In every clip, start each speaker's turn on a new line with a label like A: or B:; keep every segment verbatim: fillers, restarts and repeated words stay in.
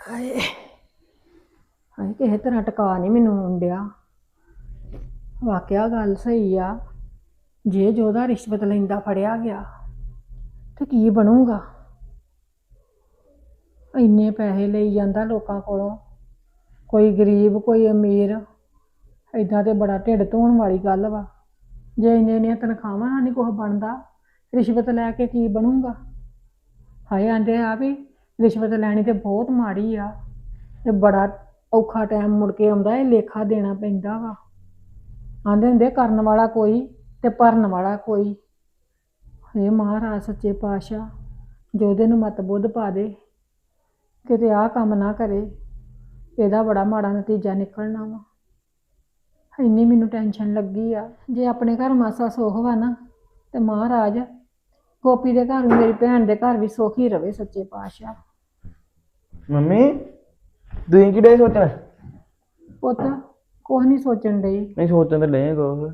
A: ਹਾਏ ਹਾਏ ਕਿਸੇ ਤਰ੍ਹਾਂ ਟਿਕਾ ਨਹੀਂ ਮੈਨੂੰ ਆਉਣ ਡਿਆ। ਵਾਕਿਆ ਗੱਲ ਸਹੀ ਆ। ਜੇ ਜੋਦਾ ਰਿਸ਼ਵਤ ਲੈਂਦਾ ਫੜਿਆ ਗਿਆ ਤੇ ਕੀ ਬਣੂਗਾ। ਇੰਨੇ ਪੈਸੇ ਲਈ ਜਾਂਦਾ ਲੋਕਾਂ ਕੋਲੋਂ, ਕੋਈ ਗਰੀਬ ਕੋਈ ਅਮੀਰ। ਏਦਾਂ ਤੇ ਬੜਾ ਢਿੱਡ ਧੋਣ ਵਾਲੀ ਗੱਲ ਵਾ। ਜੇ ਇੰਨੇ ਇੰਨੀਆਂ ਤਨਖਾਹਾਂ ਨਾਲ ਨਹੀਂ ਕੁਛ ਬਣਦਾ, ਰਿਸ਼ਵਤ ਲੈ ਕੇ ਕੀ ਬਣੂਗਾ। ਹਾਏ ਆਂਦੇ ਆ ਵੀ ਰਿਸ਼ਵਤ ਲੈਣੀ ਤੇ ਬਹੁਤ ਮਾੜੀ ਆ ਤੇ ਬੜਾ ਔਖਾ ਟਾਈਮ ਮੁੜ ਕੇ ਆਉਂਦਾ। ਇਹ ਲੇਖਾ ਦੇਣਾ ਪੈਂਦਾ ਵਾ। ਆਂਦੇ ਹੁੰਦੇ ਕਰਨ ਵਾਲਾ ਕੋਈ ਤੇ ਭਰਨ ਵਾਲਾ ਕੋਈ। ਇਹ ਮਹਾਰਾਜ ਸੱਚੇ ਪਾਤਸ਼ਾਹ ਜੋਦੇ ਨੂੰ ਮਤ ਬੁੱਧ ਪਾ ਦੇ, ਕਿਤੇ ਆਹ ਕੰਮ ਨਾ ਕਰੇ। ਇਹਦਾ ਬੜਾ ਮਾੜਾ ਨਤੀਜਾ ਨਿਕਲਣਾ ਵਾ। ਇੰਨੀ ਮੈਨੂੰ ਟੈਨਸ਼ਨ ਲੱਗੀ ਆ। ਜੇ ਆਪਣੇ ਘਰ ਮਾਸਾ ਸੁੱਖ ਵਾ ਨਾ ਤੇ ਮਹਾਰਾਜ ਗੋਪੀ ਦੇ ਘਰ, ਮੇਰੀ ਭੈਣ ਦੇ ਘਰ ਵੀ ਸੁੱਖ ਹੀ ਰਵੇ ਸੱਚੇ ਪਾਤਸ਼ਾਹ।
B: ਮੰਮੀ ਤੁਸੀਂ ਕਿਹੜੇ ਸੋਚਣਾ?
A: ਪੁੱਤ ਕੁਛ ਨਹੀਂ ਸੋਚਣ ਡਈ।
B: ਨਹੀਂ ਸੋਚਣ ਤੇ ਲੈ ਕੋ।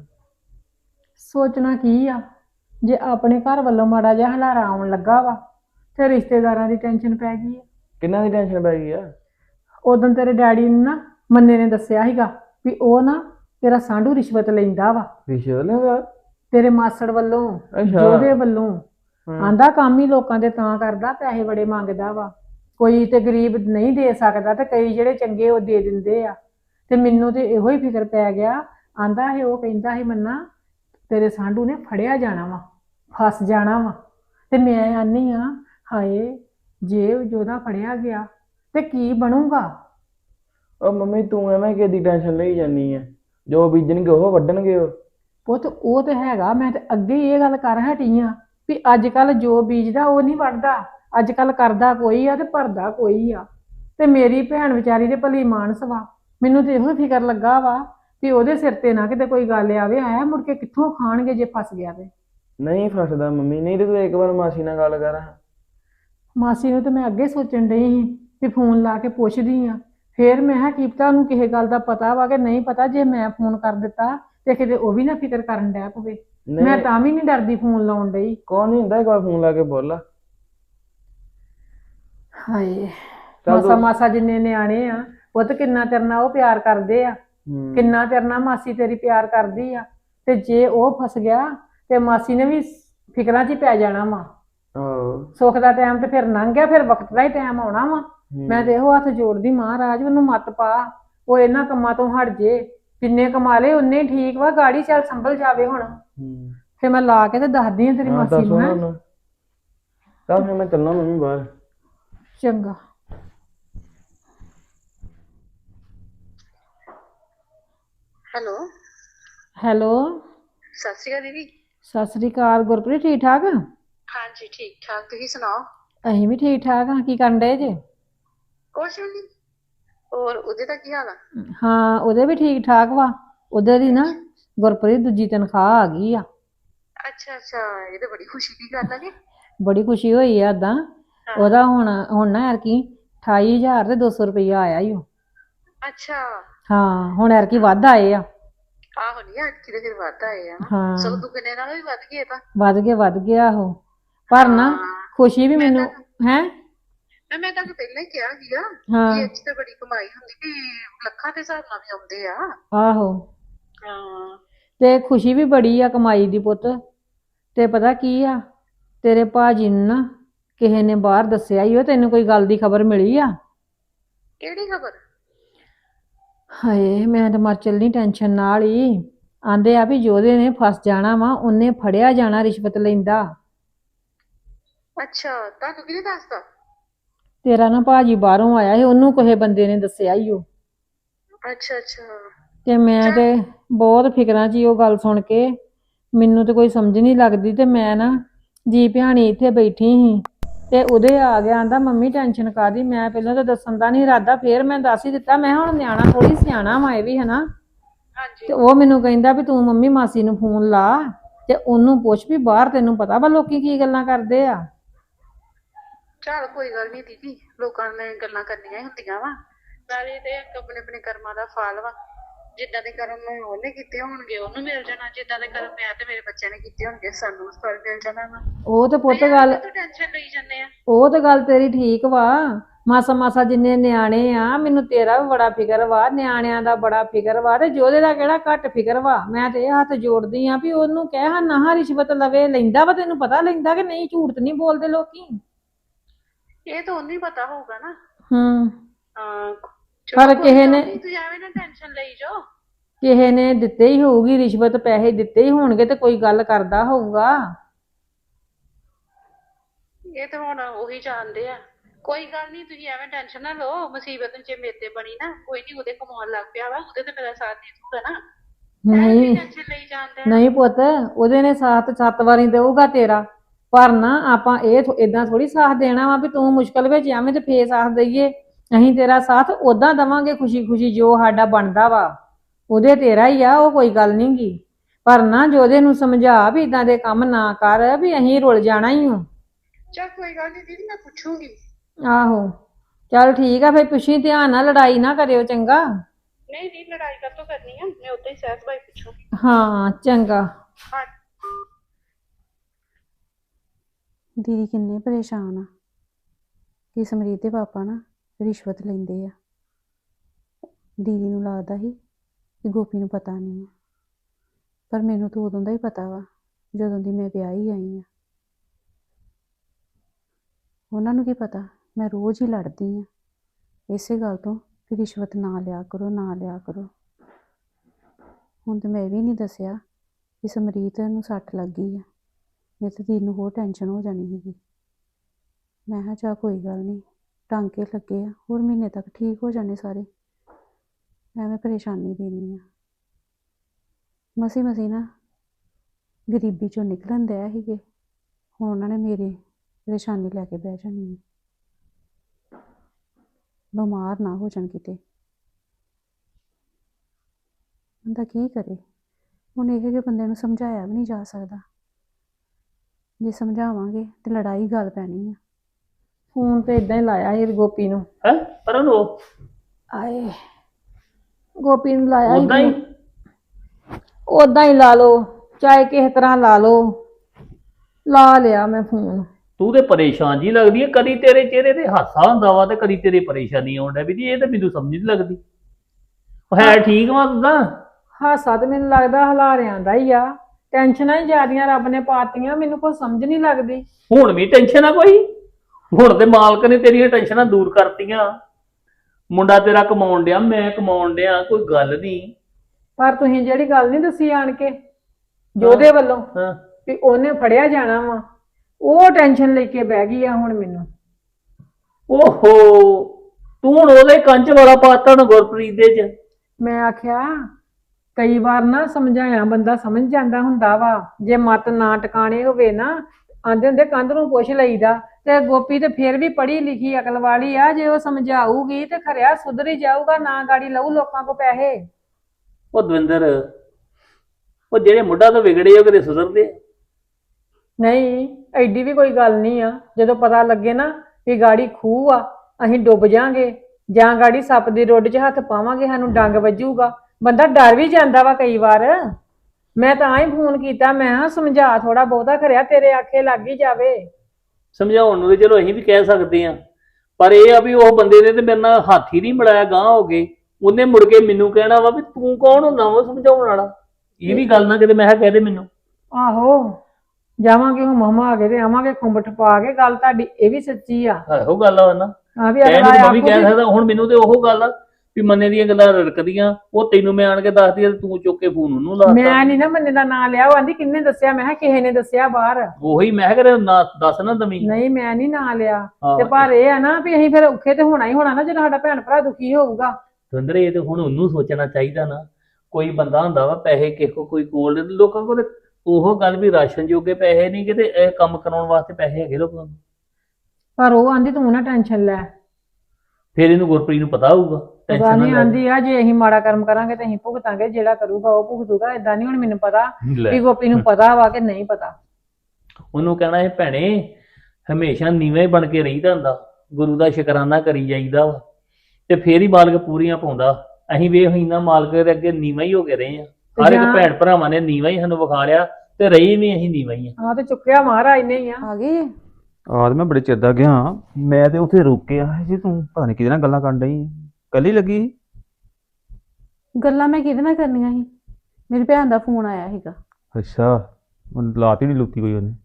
A: ਸੋਚਣਾ ਕੀ ਆ, ਜੇ ਆਪਣੇ ਘਰ ਵੱਲੋਂ ਮਾੜਾ ਜਿਹਾ ਹਲਾਰਾ ਆਉਣ ਲੱਗਾ ਵਾ ਤੇ ਰਿਸ਼ਤੇਦਾਰਾਂ ਦੀ ਟੈਨਸ਼ਨ ਪੈ ਗਈ ਆ।
B: ਕਿੰਨਾ ਦੀ ਟੈਨਸ਼ਨ ਪੈ ਗਈ ਆ?
A: ਉਦੋਂ ਤੇਰੇ ਡੈਡੀ ਨੇ ਨਾ ਮੰਨੇ ਨੇ ਦੱਸਿਆ ਸੀਗਾ ਵੀ ਉਹ ਨਾ ਤੇਰਾ ਸਾਂਢੂ ਰਿਸ਼ਵਤ ਲੈਂਦਾ ਵਾ
B: ਰਿਸ਼ਵਤ ਲੈਂਦਾ
A: ਤੇਰੇ ਮਾਸੜ ਵੱਲੋਂ, ਜੋਦੇ ਵੱਲੋਂ। ਆਂਦਾ ਕੰਮ ਹੀ ਲੋਕਾਂ ਦੇ ਤਾਂ ਕਰਦਾ, ਪੈਸੇ ਬੜੇ ਮੰਗਦਾ ਵਾ। ਕੋਈ ਤੇ ਗਰੀਬ ਨਹੀਂ ਦੇ ਸਕਦਾ ਤੇ ਕਈ ਜਿਹੜੇ ਚੰਗੇ ਉਹ ਦੇ ਦਿੰਦੇ ਆ। ਤੇ ਮੈਨੂੰ ਤੇ ਇਹੋ ਹੀ ਫਿਕਰ ਪੈ ਗਿਆ। ਆਂਦਾ ਇਹ ਉਹ ਕਹਿੰਦਾ ਸੀ ਮੰਨਾ ਤੇਰੇ ਸਾਂਢੂ ਨੇ ਫੜਿਆ ਜਾਣਾ ਵਾ, ਫਸ ਜਾਣਾ ਵਾ। ਤੇ ਮੈਂ ਆਨੀ ਆ ਹਾਏ ਜੇ ਜੋਦਾ ਫੜਿਆ ਗਿਆ ਤੇ ਕੀ ਬਣੂਗਾ।
B: ਉਹ ਮੰਮੀ ਤੂੰ ਐਵੇਂ ਕਿਹਦੀ ਟੈਨਸ਼ਨ ਲਈ ਜਾਨੀ ਆ? ਜੋ ਬੀਜਣਗੇ ਉਹ ਵੱਢਣਗੇ। ਉਹ
A: ਪੁੱਤ ਉਹ ਤੇ ਹੈਗਾ। ਮੈਂ ਤੇ ਅੱਗੇ ਹੀ ਇਹ ਗੱਲ ਕਰ ਹਟੀ ਆ ਵੀ ਅੱਜ ਕੱਲ ਜੋ ਬੀਜਦਾ ਉਹ ਨਹੀਂ ਵੱਢਦਾ। ਅੱਜ ਕੱਲ ਕਰਦਾ ਕੋਈ ਆ ਤੇ ਭਰਦਾ ਕੋਈ ਆ। ਤੇ ਮੇਰੀ ਭੈਣ ਵਿਚਾਰੀ ਦੇ ਭਲੀ ਮਾਨਸ ਵਾ। ਮੈਨੂੰ ਤੇ ਇਹੋ ਫਿਕਰ ਲੱਗਾ ਵਾ ਵੀ ਉਹਦੇ ਸਿਰ ਤੇ ਨਾ ਕਿਤੇ ਕੋਈ ਗੱਲ ਆਵੇ। ਆਇਆ ਮੁੜ ਕੇ ਕਿੱਥੋਂ ਖਾਣਗੇ ਜੇ ਫਸ ਗਿਆ ਤੇ।
B: ਨਹੀਂ ਫਸਦਾ ਮੰਮੀ। ਨਹੀਂ ਤੇ ਤੂੰ ਇੱਕ ਵਾਰ ਮਾਸੀ ਨਾਲ ਗੱਲ ਕਰ।
A: ਮਾਸੀ ਨੂੰ ਤੇ ਮੈਂ ਅੱਗੇ ਸੋਚਣ ਡਈ ਸੀ ਵੀ ਫੋਨ ਲਾ ਕੇ ਪੁੱਛਦੀ ਆ। ਫੇਰ ਮੈਂ ਕਿਹਾ ਕੀ ਪਤਾ ਉਹਨੂੰ ਕਿਸੇ ਗੱਲ ਦਾ ਪਤਾ ਵਾ ਕਿ ਨਹੀਂ ਪਤਾ। ਜੇ ਮੈਂ ਫੋਨ ਕਰ ਦਿੱਤਾ ਤੇ ਕਿਤੇ ਉਹ ਵੀ ਨਾ ਫਿਕਰ ਕਰਨ ਡੈ ਪਵੇ। ਮੈਂ ਤਾਂ ਵੀ ਨਹੀਂ ਡਰਦੀ ਫੋਨ ਲਾਉਣ ਡਈ।
B: ਕੌਣ ਨਹੀਂ ਹੁੰਦਾ, ਇੱਕ ਵਾਰ ਫੋਨ ਲਾ ਕੇ ਬੋਲ।
A: ਹਾਏ ਮਾਸਾ ਮਾਸਾ ਜਿੰਨੇ ਨਿਆਣੇ ਆ ਪੁੱਤ ਕਿੰਨਾ ਤੇਰੇ ਨਾਲ ਉਹ ਪਿਆਰ ਕਰਦੇ ਆ, ਕਿੰਨਾ ਤੇਰੇ ਨਾਲ ਮਾਸੀ ਤੇਰੀ ਪਿਆਰ ਕਰਦੀ ਆ। ਤੇ ਜੇ ਉਹ ਫਸ ਗਿਆ ਤੇ ਮਾਸੀ ਨੇ ਵੀ ਫਿਕਰਾਂ 'ਚ ਹੀ ਪੈ ਜਾਣਾ ਵਾ। ਸੁੱਖ ਦਾ ਟਾਈਮ ਤੇ ਫਿਰ ਲੰਘ ਗਿਆ, ਫਿਰ ਵਕਤ ਦਾ ਹੀ ਟਾਈਮ ਆਉਣਾ ਵਾ। ਮੈਂ ਤੇ ਇਹੋ ਹੱਥ ਜੋੜਦੀ ਮਹਾਰਾਜ ਉਹਨੂੰ ਮੱਤ ਪਾ, ਉਹ ਇਹਨਾਂ ਕੰਮਾਂ ਤੋਂ ਹਟ ਜੇ। ਜਿੰਨੇ ਕਮਾ ਲਏ ਉਨੇ ਠੀਕ ਵਾ, ਗਾੜੀ ਚੱਲ ਸੰਭਲ ਜਾਵੇ ਹੁਣ। ਫਿਰ ਮੈਂ ਲਾ ਕੇ ਤੇ ਦੱਸਦੀ ਆ ਤੇਰੀ ਮਾਸੀ ਨੂੰ। ਹੈ
B: ਚੱਲ ਫਿਰ ਮੈਂ ਚੱਲਣਾ ਮੰਮੀ ਬਾਹਰ।
A: ਚੰਗਾ।
C: ਹੈਲੋ
A: ਹੈਲੋ
C: ਸਤਿ ਸ਼੍ਰੀ ਅਕਾਲ ਦੀਦੀ।
A: ਸਤਿ ਸ੍ਰੀ ਅਕਾਲ। ਗੁਰਪ੍ਰੀਤ ਠੀਕ ਠਾਕ?
C: ਹਾਂਜੀ ਠੀਕ ਠਾਕ, ਤੁਸੀਂ ਸੁਣਾਓ?
A: ਅਸੀਂ ਵੀ ਠੀਕ ਠਾਕ ਹਾਂ। ਕੀ ਕਰਨ ਡਏ ਜੇ?
C: ਕੁਛ ਨਹੀਂ। ਹੋਰ ਉਹਦੇ ਦਾ ਕੀ ਹਾਲ ਆ?
A: ਹਾਂ ਉਹਦੇ ਵੀ ਠੀਕ ਠਾਕ ਵਾ। ਉਹਦੇ ਦੀ ਨਾ ਗੁਰਪ੍ਰੀਤ ਦੂਜੀ ਤਨਖਾਹ ਆ ਗਈ ਆ।
C: ਅੱਛਾ ਅੱਛਾ, ਇਹ ਤਾਂ ਬੜੀ ਖੁਸ਼ੀ ਦੀ ਗੱਲ ਆ ਜੀ।
A: ਬੜੀ ਖੁਸ਼ੀ ਹੋਈ ਆ। ਏਦਾਂ ਉਹਦਾ ਹੁਣ ਹੁਣ ਨਾ ਐਰਕੀ ਅਠਾਈ ਹਜ਼ਾਰ ਤੇ ਦੋ ਸੌ ਰੁਪਈਆ ਆਇਆ ਈ।
C: ਅੱਛਾ
A: ਹਾਂ ਹੁਣ ਐਰਕੀ ਵੱਧ ਆਏ ਆ।
C: ਆਹੋ ਨਹੀਂ ਐਤਕੀ ਦੇ ਫਿਰ ਵੱਧ ਆਏ ਆ।
A: ਹਾਂ
C: ਸਗੋਂ ਦੁੱਗਣੇ ਨਾਲੋਂ ਵੀ ਵੱਧ ਗਏ ਤਾਂ।
A: ਵੱਧ ਗਏ ਵੱਧ ਗਿਆ ਉਹ। ਪਰ ਨਾ ਖੁਸ਼ੀ ਵੀ ਮੈਨੂੰ ਹੈ।
C: ਮੈਂ ਮੈਂ ਤੁਹਾਨੂੰ ਪਹਿਲਾਂ ਹੀ ਕਿਹਾ ਸੀਗਾ ਕਿ ਇੱਥੇ ਤਾਂ ਬੜੀ ਕਮਾਈ ਹੁੰਦੀ ਕਿ ਲੱਖਾਂ ਦੇ ਹਿਸਾਬ ਨਾਲ ਵੀ ਆਉਂਦੇ ਆ।
A: ਆਹੋ
C: ਹਾਂ
A: ਤੇ ਖੁਸ਼ੀ ਵੀ ਬੜੀ ਆ ਕਮਾਈ ਦੀ ਪੁੱਤ। ਤੇ ਪਤਾ ਕੀ ਆ, ਤੇਰੇ ਭਾਜੀ ਨੂੰ ਨਾ ਕਿਸੇ ਨੇ ਬਾਹਰ ਦੱਸਿਆ ਈ। ਉਹ ਤੈਨੂੰ ਕੋਈ ਗੱਲ ਦੀ ਖਬਰ ਮਿਲੀ ਆ?
C: ਕਿਹੜੀ ਖਬਰ?
A: ਹਾਏ ਮੈਂ ਤਾਂ ਮਰ ਚੱਲਣੀ ਟੈਨਸ਼ਨ ਨਾਲ ਹੀ। ਆਂਦੇ ਆ ਵੀ ਜੋਦੇ ਨੇ ਫਸ ਜਾਣਾ ਵਾ, ਉਹਨੇ ਫੜਿਆ ਜਾਣਾ ਰਿਸ਼ਵਤ ਲੈਂਦਾ।
C: ਅੱਛਾ ਤੁਹਾਨੂੰ ਕਿਹਨੇ ਦੱਸਦਾ?
A: ਤੇਰਾ ਨਾ ਭਾਜੀ ਬਾਹਰੋਂ ਆਇਆ ਸੀ, ਉਹਨੂੰ ਕਿਸੇ ਬੰਦੇ ਨੇ ਦੱਸਿਆ ਈ ਉਹ।
C: ਅੱਛਾ ਅੱਛਾ।
A: ਤੇ ਮੈਂ ਤੇ ਬਹੁਤ ਫਿਕਰਾਂ 'ਚ ਹੀ ਉਹ ਗੱਲ ਸੁਣ ਕੇ। ਮੈਨੂੰ ਤੇ ਕੋਈ ਸਮਝ ਨਹੀਂ ਲੱਗਦੀ। ਤੇ ਮੈਂ ਨਾ ਜੀ ਭਿਆਣੀ ਇੱਥੇ ਬੈਠੀ ਸੀ ਤੇ ਉਹਦੇ ਆ ਗਿਆ। ਆਂਦਾ ਮੰਮੀ ਟੈਨਸ਼ਨ ਕਾਹਦੀ? ਮੈਂ ਪਹਿਲਾਂ ਤਾਂ ਦੱਸਣ ਦਾ ਨਹੀਂ ਇਰਾਦਾ, ਫੇਰ ਮੈਂ ਦੱਸ ਹੀ ਦਿੱਤਾ। ਮੈਂ ਹੁਣ ਨਿਆਣਾ ਥੋੜੀ ਸਿਆਣਾ ਵਾ ਇਹ ਵੀ, ਹਨਾ। ਤੇ ਉਹ ਮੈਨੂੰ ਕਹਿੰਦਾ ਵੀ ਤੂੰ ਮੰਮੀ ਮਾਸੀ ਨੂੰ ਫੋਨ ਲਾ ਤੇ ਉਹਨੂੰ ਪੁੱਛ ਵੀ ਬਾਹਰ ਤੈਨੂੰ ਪਤਾ ਵਾ ਲੋਕੀ ਕੀ ਗੱਲਾਂ ਕਰਦੇ ਆ।
C: ਚੱਲ ਕੋਈ ਗੱਲ ਨੀ ਦੀਦੀ, ਲੋਕਾਂ ਨੇ ਗੱਲਾਂ ਕਰਨੀਆਂ ਹੀ ਹੁੰਦੀਆਂ ਵਾ। ਨਾਲੇ ਤੇ ਆਪਣੇ ਆਪਣੇ ਕਰਮਾਂ ਦਾ ਫਲ ਵਾ। ਜਿੱਦਾਂ ਦੇ ਕਰਮ ਉਹਨੇ ਕੀਤੇ ਹੋਣਗੇ ਉਹਨੂੰ ਮਿਲ ਜਾਣਾ, ਜਿੱਦਾਂ ਦੇ ਕਰਮ ਮੈਂ ਤੇ ਮੇਰੇ ਬੱਚਿਆਂ ਨੇ ਕੀਤੇ ਹੋਣਗੇ ਸਾਨੂੰ ਫਲ ਮਿਲ ਜਾਣਾ ਵਾ।
A: ਉਹ ਤੇ ਪੁੱਤ ਗੱਲ
C: ਤੂੰ ਟੈਨਸ਼ਨ ਲਈ ਜਾਂਦੇ ਆ।
A: ਉਹ ਤੇ ਗੱਲ ਤੇਰੀ ਠੀਕ ਵਾ। ਮਾਸਾ ਮਾਸਾ ਜਿੰਨੇ ਨਿਆਣੇ ਆ, ਮੈਨੂੰ ਤੇਰਾ ਵੀ ਬੜਾ ਫਿਕਰ ਵਾ, ਨਿਆਣਿਆਂ ਦਾ ਬੜਾ ਫਿਕਰ ਵਾ, ਤੇ ਜੋਦੇ ਦਾ ਕਿਹੜਾ ਘੱਟ ਫਿਕਰ ਵਾ। ਮੈਂ ਤੇ ਇਹ ਹੱਥ ਜੋੜਦੀ ਆ ਵੀ ਉਹਨੂੰ ਕਹਿ ਹਾਂ ਨਾ ਰਿਸ਼ਵਤ ਲਵੇ। ਲੈਂਦਾ ਵਾ, ਤੈਨੂੰ ਪਤਾ ਲੈਂਦਾ ਕਿ ਨਹੀਂ? ਝੂਠ ਤੇ ਨਹੀਂ ਬੋਲਦੇ ਲੋਕੀ।
C: ਇਹ ਤਾਂ ਉਹਨੂੰ ਹੀ ਪਤਾ ਹੋਊਗਾ ਨਾ।
A: ਹੂੰ
C: ਹਾਂ
A: ਪਰ ਕਿਸੇ ਨੇ
C: ਤੂੰ ਐਵੇਂ ਨਾ ਟੈਨਸ਼ਨ ਲਈ ਜਾਓ।
A: ਕਿਸੇ ਨੇ ਦਿੱਤੇ ਹੀ ਹੋਊਗੀ ਰਿਸ਼ਵਤ, ਪੈਸੇ ਦਿੱਤੇ ਹੀ ਹੋਣਗੇ ਤੇ ਕੋਈ ਗੱਲ ਕਰਦਾ ਹੋਊਗਾ।
C: ਇਹ ਤਾਂ ਹੁਣ ਉਹੀ ਜਾਣਦੇ ਆ। ਕੋਈ ਗੱਲ ਨਹੀਂ, ਤੁਸੀਂ ਐਵੇਂ ਟੈਨਸ਼ਨ ਨਾ ਲਓ। ਮੁਸੀਬਤ ਜੇ ਮੇਰੇ ਤੇ ਬਣੀ ਨਾ, ਕੋਈ ਨਹੀਂ, ਉਹਦੇ ਕਮਾਉਣ ਲੱਗ ਪਿਆ ਵਾ, ਉਹਦੇ ਤੇ ਮੇਰਾ ਸਾਥ ਦੇ ਦੂਗਾ ਨਾ।
A: ਨਹੀਂ
C: ਟੈਨਸ਼ਨ ਲਈ ਜਾਂਦੇ
A: ਨਹੀਂ ਪੁੱਤ, ਉਹਦੇ ਨੇ ਸਾਥ ਸੱਤ ਵਾਰੀ ਦੇਊਗਾ ਤੇਰਾ। ਪਰ ਨਾ ਆਪਾਂ ਇਹ ਏਦਾਂ ਥੋੜੀ ਸਾਥ ਦੇਣਾ ਵਾ ਵੀ ਤੂੰ ਮੁਸ਼ਕਲ ਵਿੱਚ ਆਵੇਂ ਤੇ ਫੇਰ ਸਾਥ ਦਈਏ। ਅਸੀਂ ਤੇਰਾ ਸਾਥ ਓਦਾਂ ਦੇਵਾਂਗੇ, ਖੁਸ਼ੀ ਖੁਸ਼ੀ ਜੋ ਸਾਡਾ ਬਣਦਾ ਵਾ। ਉਹਦੇ ਤੇਰਾ ਹੀ ਆ, ਉਹ ਕੋਈ ਗੱਲ ਨੀ ਗੀ। ਪਰ ਨਾ ਜੋਦੇ ਨੂੰ ਸਮਝਾ ਵੀ ਇਦਾਂ ਦੇ ਕੰਮ ਨਾ ਕਰ, ਵੀ ਅਸੀਂ ਰੁਲ ਜਾਣਾ ਹੀ ਹੋ।
C: ਚੱਲ ਕੋਈ ਗੱਲ ਨਹੀਂ ਦੀਦੀ, ਮੈਂ ਪੁੱਛੂਗੀ।
A: ਆਹੋ ਚੱਲ ਠੀਕ ਆ, ਫੇਰ ਪੁੱਛੀ ਧਿਆਨ ਨਾਲ, ਲੜਾਈ ਨਾ ਕਰਿਓ ਚੰਗਾ।
C: ਨਹੀਂ ਨਹੀਂ, ਲੜਾਈ ਕਾਹਤੋਂ ਕਰਨੀ ਆ, ਮੈਂ ਉੱਦਾਂ ਹੀ ਸਹਿਜ ਭਾਈ ਪੁੱਛੂਗੀ।
A: ਹਾਂ ਚੰਗਾ।
C: ਹਾਂ
D: ਦੀਦੀ ਕਿੰਨੇ ਪਰੇਸ਼ਾਨ ਆ ਕਿ ਸਮਰੀਤ ਦੇ ਪਾਪਾ ਨਾ ਰਿਸ਼ਵਤ ਲੈਂਦੇ ਆ। ਦੀਦੀ ਨੂੰ ਲੱਗਦਾ ਸੀ ਕਿ ਗੋਪੀ ਨੂੰ ਪਤਾ ਨਹੀਂ ਆ, ਪਰ ਮੈਨੂੰ ਤਾਂ ਉਦੋਂ ਦਾ ਹੀ ਪਤਾ ਵਾ ਜਦੋਂ ਦੀ ਮੈਂ ਵਿਆਹੀ ਆਈ ਆ। ਉਹਨਾਂ ਨੂੰ ਕੀ ਪਤਾ ਮੈਂ ਰੋਜ਼ ਹੀ ਲੜਦੀ ਆ ਇਸੇ ਗੱਲ ਤੋਂ ਕਿ ਰਿਸ਼ਵਤ ਨਾ ਲਿਆ ਕਰੋ, ਨਾ ਲਿਆ ਕਰੋ। ਹੁਣ ਤਾਂ ਮੈਂ ਵੀ ਨਹੀਂ ਦੱਸਿਆ ਕਿ ਸਮਰੀਤ ਨੂੰ ਸੱਟ ਲੱਗ ਗਈ ਆ, ਨਹੀਂ ਤਾਂ ਦੀਦੀ ਨੂੰ ਹੋਰ ਟੈਨਸ਼ਨ ਹੋ ਜਾਣੀ ਸੀਗੀ। ਮੈਂ ਕਿਹਾ ਚਾ ਕੋਈ ਗੱਲ ਨਹੀਂ, ਟਾਂਕੇ ਲੱਗੇ ਆ, ਹੋਰ ਮਹੀਨੇ ਤੱਕ ਠੀਕ ਹੋ ਜਾਣੇ ਸਾਰੇ, ਐਵੇਂ ਪਰੇਸ਼ਾਨੀ ਦੇਣੀ ਆ। ਮਸੀ ਮਸੀ ਨਾ ਗਰੀਬੀ ਚੋਂ ਨਿਕਲਣ ਦਿਆ ਸੀਗੇ, ਹੁਣ ਉਹਨਾਂ ਨੇ ਮੇਰੀ ਪਰੇਸ਼ਾਨੀ ਲੈ ਕੇ ਬਹਿ ਜਾਣੀ ਹੈ। ਬਿਮਾਰ ਨਾ ਹੋ ਜਾਣ ਕਿਤੇ, ਬੰਦਾ ਕੀ ਕਰੇ ਹੁਣ। ਇਹੋ ਜਿਹੇ ਬੰਦੇ ਨੂੰ ਸਮਝਾਇਆ ਵੀ ਨਹੀਂ ਜਾ ਸਕਦਾ, ਜੇ ਸਮਝਾਵਾਂਗੇ ਤੇ ਲੜਾਈ ਗੱਲ ਪੈਣੀ ਆ।
A: ਫੋਨ ਤੇ ਇਦਾਂ ਹੀ ਲਾਇਆ ਸੀ ਗੋਪੀ ਨੂੰ।
B: ਹੈ ਪਰ ਉਹ
A: ਆਏ ਗੋਪੀ ਨੂੰ ਲਾਇਆ ਸੀ
B: ਉਦਾਂ ਹੀ
A: ਉਦਾਂ ਹੀ ਲਾ ਲਓ, ਚਾਹੇ ਕਿਸੇ ਤਰ੍ਹਾਂ ਲਾ ਲਓ, ਲਾ ਲਿਆ ਮੈਂ ਫੋਨ।
E: ਤੂੰ ਤੇ ਪਰੇਸ਼ਾਨ ਜੀ ਲੱਗਦੀ ਹੈ, ਕਦੀ ਤੇਰੇ ਚਿਹਰੇ ਤੇ ਹਾਸਾ ਹੁੰਦਾ ਵਾ ਤੇ ਕਦੀ ਤੇਰੀ ਪਰੇਸ਼ਾਨੀ ਆਉਂਦਾ ਵੀ ਜੀ। ਇਹ ਤਾਂ ਮੈਨੂੰ ਸਮਝ ਨਹੀਂ ਲੱਗਦੀ। ਉਹ ਹੈ ਠੀਕ ਵਾ ਤੂੰ ਤਾਂ?
A: ਹਾਸਾ ਤੇ ਮੈਨੂੰ ਲੱਗਦਾ ਹਲਾਰਿਆਂ ਦਾ ਹੀ ਆ। ਟੈਨਸ਼ਨਾਂ ਹੀ ਜ਼ਿਆਦੀਆਂ ਰੱਬ ਨੇ ਪਾਤੀਆਂ, ਮੈਨੂੰ ਕੋਈ ਸਮਝ ਨਹੀਂ ਲੱਗਦੀ।
E: ਹੁਣ ਵੀ ਟੈਨਸ਼ਨ ਆ ਕੋਈ? ਹੁਣ ਤੇ ਮਾਲਕ ਨੇ ਤੇਰੀਆਂ ਟੈਨਸ਼ਨਾਂ ਦੂਰ ਕਰਤੀਆਂ। ਮੁੰਡਾ ਤੇਰਾ ਕਮਾਉਣ ਡਿਆ, ਮੈਂ ਕਮਾਉਣ ਡਿਆ, ਕੋਈ ਗੱਲ ਨਹੀਂ।
A: ਪਰ ਤੁਸੀਂ ਜਿਹੜੀ ਗੱਲ ਨਹੀਂ ਦੱਸੀ ਆਣ ਕੇ ਜੋਦੇ ਵੱਲੋਂ
E: ਹਾਂ
A: ਵੀ ਉਹਨੇ ਫੜਿਆ ਜਾਣਾ ਵਾ, ਉਹ ਟੈਨਸ਼ਨ ਲੈ ਕੇ ਬਹਿ ਗਈ ਆ ਹੁਣ ਮੈਨੂੰ।
E: ਓਹੋ, ਤੂੰ ਹੁਣ ਉਹਦੇ ਕੰਚ ਵਾਲਾ ਪਾਤਾ ਨਾ ਗੁਰਪ੍ਰੀਤ ਦੇ ਚ।
A: ਮੈਂ ਆਖਿਆ ਕਈ ਵਾਰ ਨਾ ਸਮਝਾਇਆ ਬੰਦਾ ਸਮਝ ਜਾਂਦਾ ਹੁੰਦਾ ਵਾ, ਜੇ ਮੱਤ ਨਾ ਟਿਕਾਣੇ ਹੋਵੇ ਨਾ, ਆਂਦੇ ਹੁੰਦੇ ਕੰਧ ਨੂੰ ਪੁੱਛ ਲਈਦਾ। ਤੇ ਗੋਪੀ ਤੇ ਫਿਰ ਵੀ ਪੜ੍ਹੀ ਲਿਖੀ ਅਕਲ ਵਾਲੀ ਆ, ਜੇ ਉਹ ਸਮਝਾਊਗੀ ਤੇ ਖਰਿਆ ਸੁਧਰ ਹੀ ਜਾਊਗਾ, ਨਾ ਗਾੜੀ ਲਊ ਲੋਕਾਂ ਕੋ ਪੈਸੇ।
E: ਉਹ ਦਵਿੰਦਰ, ਉਹ ਜਿਹੜੇ ਮੁੰਡਾ ਤੋਂ ਵਿਗੜੇ ਉਹ ਕਦੇ ਸੁਧਰਦੇ?
A: ਨਹੀਂ ਐਡੀ ਵੀ ਕੋਈ ਗੱਲ ਨਹੀਂ ਆ। ਜਦੋਂ ਪਤਾ ਲੱਗੇ ਨਾ ਵੀ ਗਾੜੀ ਖੂਹ ਆ, ਅਸੀਂ ਡੁੱਬ ਜਾਾਂਗੇ, ਜਾਂ ਗਾੜੀ ਸੱਪ ਦੀ ਰੋਡ 'ਚ ਹੱਥ ਪਾਵਾਂਗੇ, ਸਾਨੂੰ ਡੰਗ ਵੱਜੂਗਾ, ਬੰਦਾ ਡਰ ਵੀ ਜਾਂਦਾ ਵਾ ਕਈ ਵਾਰ। ਮੈਂ ਤਾਂ ਹੀ ਫੋਨ ਕੀਤਾ, ਮੈਂ ਹਾਂ ਸਮਝਾ ਥੋੜਾ ਬਹੁਤਾ, ਖਰਿਆ ਤੇਰੇ ਆਖੇ ਲੱਗ ਹੀ ਜਾਵੇ।
E: ਸਮਝਾਉਣ ਨੂੰ ਤੇ ਚਲੋ ਅਸੀਂ ਵੀ ਕਹਿ ਸਕਦੇ ਹਾਂ, ਪਰ ਇਹ ਆ ਵੀ ਉਹ ਬੰਦੇ ਨੇ ਤੇ ਮੇਰੇ ਨਾਲ ਹੱਥ ਹੀ ਨਹੀਂ ਮਿਲਾਇਆ ਗਾਂਹ ਹੋ ਗਏ। ਉਹਨੇ ਮੁੜ ਕੇ ਮੈਨੂੰ ਕਹਿਣਾ ਵਾ ਵੀ ਤੂੰ ਕੌਣ ਹੁੰਦਾ ਵਾ ਸਮਝਾਉਣ ਵਾਲਾ? ਇਹ ਵੀ ਗੱਲ ਨਾ ਕਿਤੇ ਮੈਂ ਕਿਹਾ ਕਹਿ ਦੇ ਮੈਨੂੰ।
A: ਆਹੋ ਜਾਵਾਂਗੇ ਹੁਣ ਮਾਮਾ ਆ ਗਏ ਤੇ ਆਵਾਂਗੇ ਖੁੰਬਟ ਪਾ ਕੇ। ਗੱਲ ਤੁਹਾਡੀ ਇਹ ਵੀ ਸੱਚੀ ਆ।
E: ਇਹੋ ਗੱਲ ਆ ਨਾ,
A: ਹਾਂ ਵੀ
E: ਕਹਿ
A: ਅਗਲਾ
E: ਨਹੀਂ ਮੈਂ ਵੀ ਕਹਿ
A: ਆਖੂ
E: ਸਕਦਾ। ਹੁਣ ਮੈਨੂੰ ਤੇ ਉਹ ਗੱਲ ਆ ਵੀ ਮੰਨੇ ਦੀਆਂ ਗੱਲਾਂ ਰੜਕਦੀਆਂ, ਉਹ ਤੈਨੂੰ ਮੈਂ ਆਣ ਕੇ ਦੱਸਦੀ ਆ, ਤੂੰ ਚੁੱਕ ਕੇ ਫੋਨ ਉਹਨੂੰ ਲਾਤਾ।
A: ਮੈਂ ਨਹੀਂ ਨਾ ਮੰਨੇ ਦਾ ਨਾਂ ਲਿਆ। ਉਹ ਆਂਦੀ ਕਿੰਨੇ ਦੱਸਿਆ? ਮੈਂ ਕਿਹਾ ਕਿਸੇ ਨੇ ਦੱਸਿਆ ਬਾਹਰ।
E: ਉਹੀ ਮੈਂ ਕਿਹਾ ਨਾ ਦੱਸ ਨਾ ਦਵੀਂ।
A: ਨਹੀਂ ਮੈਂ ਨਹੀਂ ਨਾਂ ਲਿਆ।
E: ਹਾਂ।
A: ਤੇ ਪਰ ਇਹ ਆ ਨਾ ਵੀ ਅਸੀਂ ਫਿਰ ਔਖੇ ਤੇ ਹੋਣਾ ਹੀ ਹੋਣਾ ਨਾ, ਜਦੋਂ ਸਾਡਾ ਭੈਣ ਭਰਾ ਦੁਖੀ ਹੋਊਗਾ।
E: ਦਵਿੰਦਰ, ਇਹ ਤੇ ਹੁਣ ਉਹਨੂੰ ਸੋਚਣਾ ਚਾਹੀਦਾ ਨਾ। ਕੋਈ ਬੰਦਾ ਹੁੰਦਾ ਵਾ ਪੈਸੇ ਕਿਸੇ ਕੋ ਕੋਈ ਕੋਲ, ਲੋਕਾਂ ਕੋਲ ਉਹ ਗੱਲ ਵੀ ਰਾਸ਼ਨ ਜੋਗੇ ਪੈਸੇ ਨਹੀਂ ਕਿਤੇ ਇਹ ਕੰਮ ਕਰਾਉਣ ਵਾਸਤੇ ਪੈਸੇ ਹੈਗੇ ਲੋਕਾਂ ਨੂੰ।
A: ਪਰ ਉਹ ਆਂਦੀ ਤੂੰ ਨਾ ਟੈਨਸ਼ਨ ਲੈ।
E: ਫਿਰ ਇਹਨੂੰ ਗੁਰਪ੍ਰੀਤ ਨੂੰ ਪਤਾ ਹੋਊਗਾ।
A: ਪਤਾ ਨਹੀਂ ਆਂਦੀ ਆ ਜੇ ਅਸੀਂ ਮਾੜਾ ਕਰਮ ਕਰਾਂਗੇ ਤੇ ਅਸੀਂ ਭੁਗਤਾਂਗੇ, ਜਿਹੜਾ ਕਰੂਗਾ ਉਹ ਭੁਗਤੂਗਾ। ਏਦਾਂ ਨਹੀਂ ਹੁਣ ਮੈਨੂੰ ਪਤਾ ਵੀ ਗੋਪੀ ਨੂੰ ਪਤਾ ਵਾ ਕਿ ਨਹੀਂ ਪਤਾ।
E: ਉਹਨੂੰ ਕਹਿਣਾ ਇਹ ਭੈਣੇ ਹਮੇਸ਼ਾ ਨੀਵੇਂ ਹੀ ਬਣ ਕੇ ਰਹੀਦਾ ਹੁੰਦਾ, ਗੁਰੂ ਦਾ ਸ਼ੁਕਰਾਨਾ ਕਰੀ ਜਾਈਦਾ ਵਾ, ਤੇ ਫੇਰ ਹੀ ਮਾਲਕ ਪੂਰੀਆਂ ਪਾਉਂਦਾ। ਅਸੀਂ ਵੇਖ ਇੰਨਾ ਮਾਲਕ ਦੇ ਅੱਗੇ ਨੀਵਾਂ ਹੀ ਹੋ ਕੇ ਰਹੇ ਆ।
A: ਤੇ
E: ਹਰ ਇੱਕ
A: ਜਾਂ-
E: ਭੈਣ ਭਰਾਵਾਂ ਨੇ ਨੀਵਾਂ ਹੀ ਸਾਨੂੰ ਵਿਖਾ ਲਿਆ ਤੇ ਰਹੀ ਵੀ ਅਸੀਂ ਨੀਵਾਂ ਹੀ ਆ।
A: ਆ ਤੇ ਚੁੱਕਿਆ ਮਹਾਰਾਜ ਨੇ ਹੀ ਆ।
D: ਆ ਗਏ ਜੇ?
F: ਆਦ ਮੈਂ ਬੜੇ ਚਿਰ ਦਾ ਗਿਆ ਮੈਂ ਤੇ ਉੱਥੇ ਰੁਕ ਕੇ ਆ ਜੀ ਤੂੰ ਪਤਾ ਨਹੀਂ ਕਿਹਦੇ ਨਾਲ ਗੱਲਾਂ ਕਰਨ ਡਈ ਕੱਲੀ ਲੱਗੀ ਸੀ?
D: ਗੱਲਾਂ ਮੈਂ ਕਿਹਦੇ ਨਾਲ ਕਰਨੀਆਂ ਸੀ? ਮੇਰੀ ਭੈਣ ਦਾ ਫੋਨ ਆਇਆ ਸੀਗਾ।
F: ਅੱਛਾ ਉਹਨੇ ਲਾਤੀ ਨਹੀਂ ਲੁੱਤੀ ਕੋਈ ਉਹਨੇ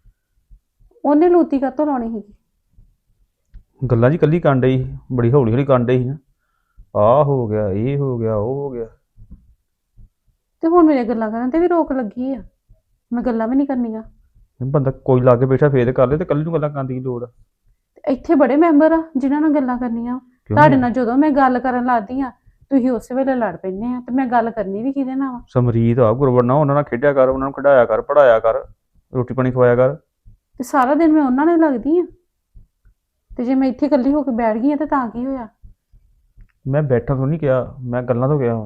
D: ਉਹਨੇ ਲੂਤੀ ਕਾਤੋਂ ਲਾਉਣੀ ਸੀਗੀ?
F: ਗੱਲਾਂ ਜੀ ਕੱਲੀ ਕਰਨ ਡਈ ਸੀ ਬੜੀ ਹੌਲੀ ਹੌਲੀ ਕਰਨ ਡਈ ਸੀ ਨਾ ਆਹ ਹੋ ਗਿਆ ਇਹ ਹੋ ਗਿਆ ਉਹ ਹੋ ਗਿਆ।
D: ਤੇ ਹੁਣ ਮੇਰੇ ਗੱਲਾਂ ਕਰਨ ਤੇ ਵੀ ਰੋਕ ਲੱਗੀ ਆ। ਮੈਂ ਗੱਲਾਂ ਵੀ ਨਹੀਂ ਕਰਨੀਆਂ।
F: ਬੰਦਾ ਕੋਈ ਲਾ ਕੇ ਬੈਠਾ ਫੇਰ ਕਰ ਲੇ ਤੇ ਕੱਲੀ ਨੂੰ ਗੱਲਾਂ ਕਰਨ ਦੀ ਕੀ ਲੋੜ ਆ?
D: ਤੇ ਇੱਥੇ ਬੜੇ ਮੈਂਬਰ ਆ ਜਿਨ੍ਹਾਂ ਨਾਲ ਗੱਲਾਂ ਕਰਨੀਆਂ।
F: ਕਿਉਂ?
D: ਤੁਹਾਡੇ ਨਾਲ ਜਦੋਂ ਮੈਂ ਗੱਲ ਕਰਨ ਲੱਗਦੀ ਆ ਤੁਸੀਂ ਉਸੇ ਵੇਲੇ ਲੜ ਪੈਂਦੇ ਆ ਤੇ ਮੈਂ ਗੱਲ ਕਰਨੀ ਵੀ ਕਿਹਦੇ ਨਾਲ ਵਾ?
F: ਸਮਰੀਤ ਆ ਗੁਰਵਰ ਨਾਲ ਉਹਨਾਂ ਨਾਲ ਖੇਡਿਆ ਕਰ ਉਹਨਾਂ ਨੂੰ ਖਿਡਾਇਆ ਕਰ ਪੜਾਇਆ ਕਰ ਰੋਟੀ ਪਾਣੀ ਖਵਾਇਆ ਕਰ।
D: ਤੇ ਸਾਰਾ ਦਿਨ ਮੈਂ ਉਹਨਾਂ ਨਾਲ ਲੱਗਦੀ ਆ ਤੇ ਜੇ ਮੈਂ ਇੱਥੇ ਇਕੱਲੀ ਹੋ ਕੇ ਬੈਠ ਗਈ ਆ ਤੇ ਤਾਂ ਕੀ ਹੋਇਆ?
F: ਮੈਂ ਬੈਠਾ ਤੋਂ ਨਹੀਂ ਕਿਹਾ ਮੈਂ ਗੱਲਾਂ ਤੋਂ ਗਿਆ ਵਾਂ।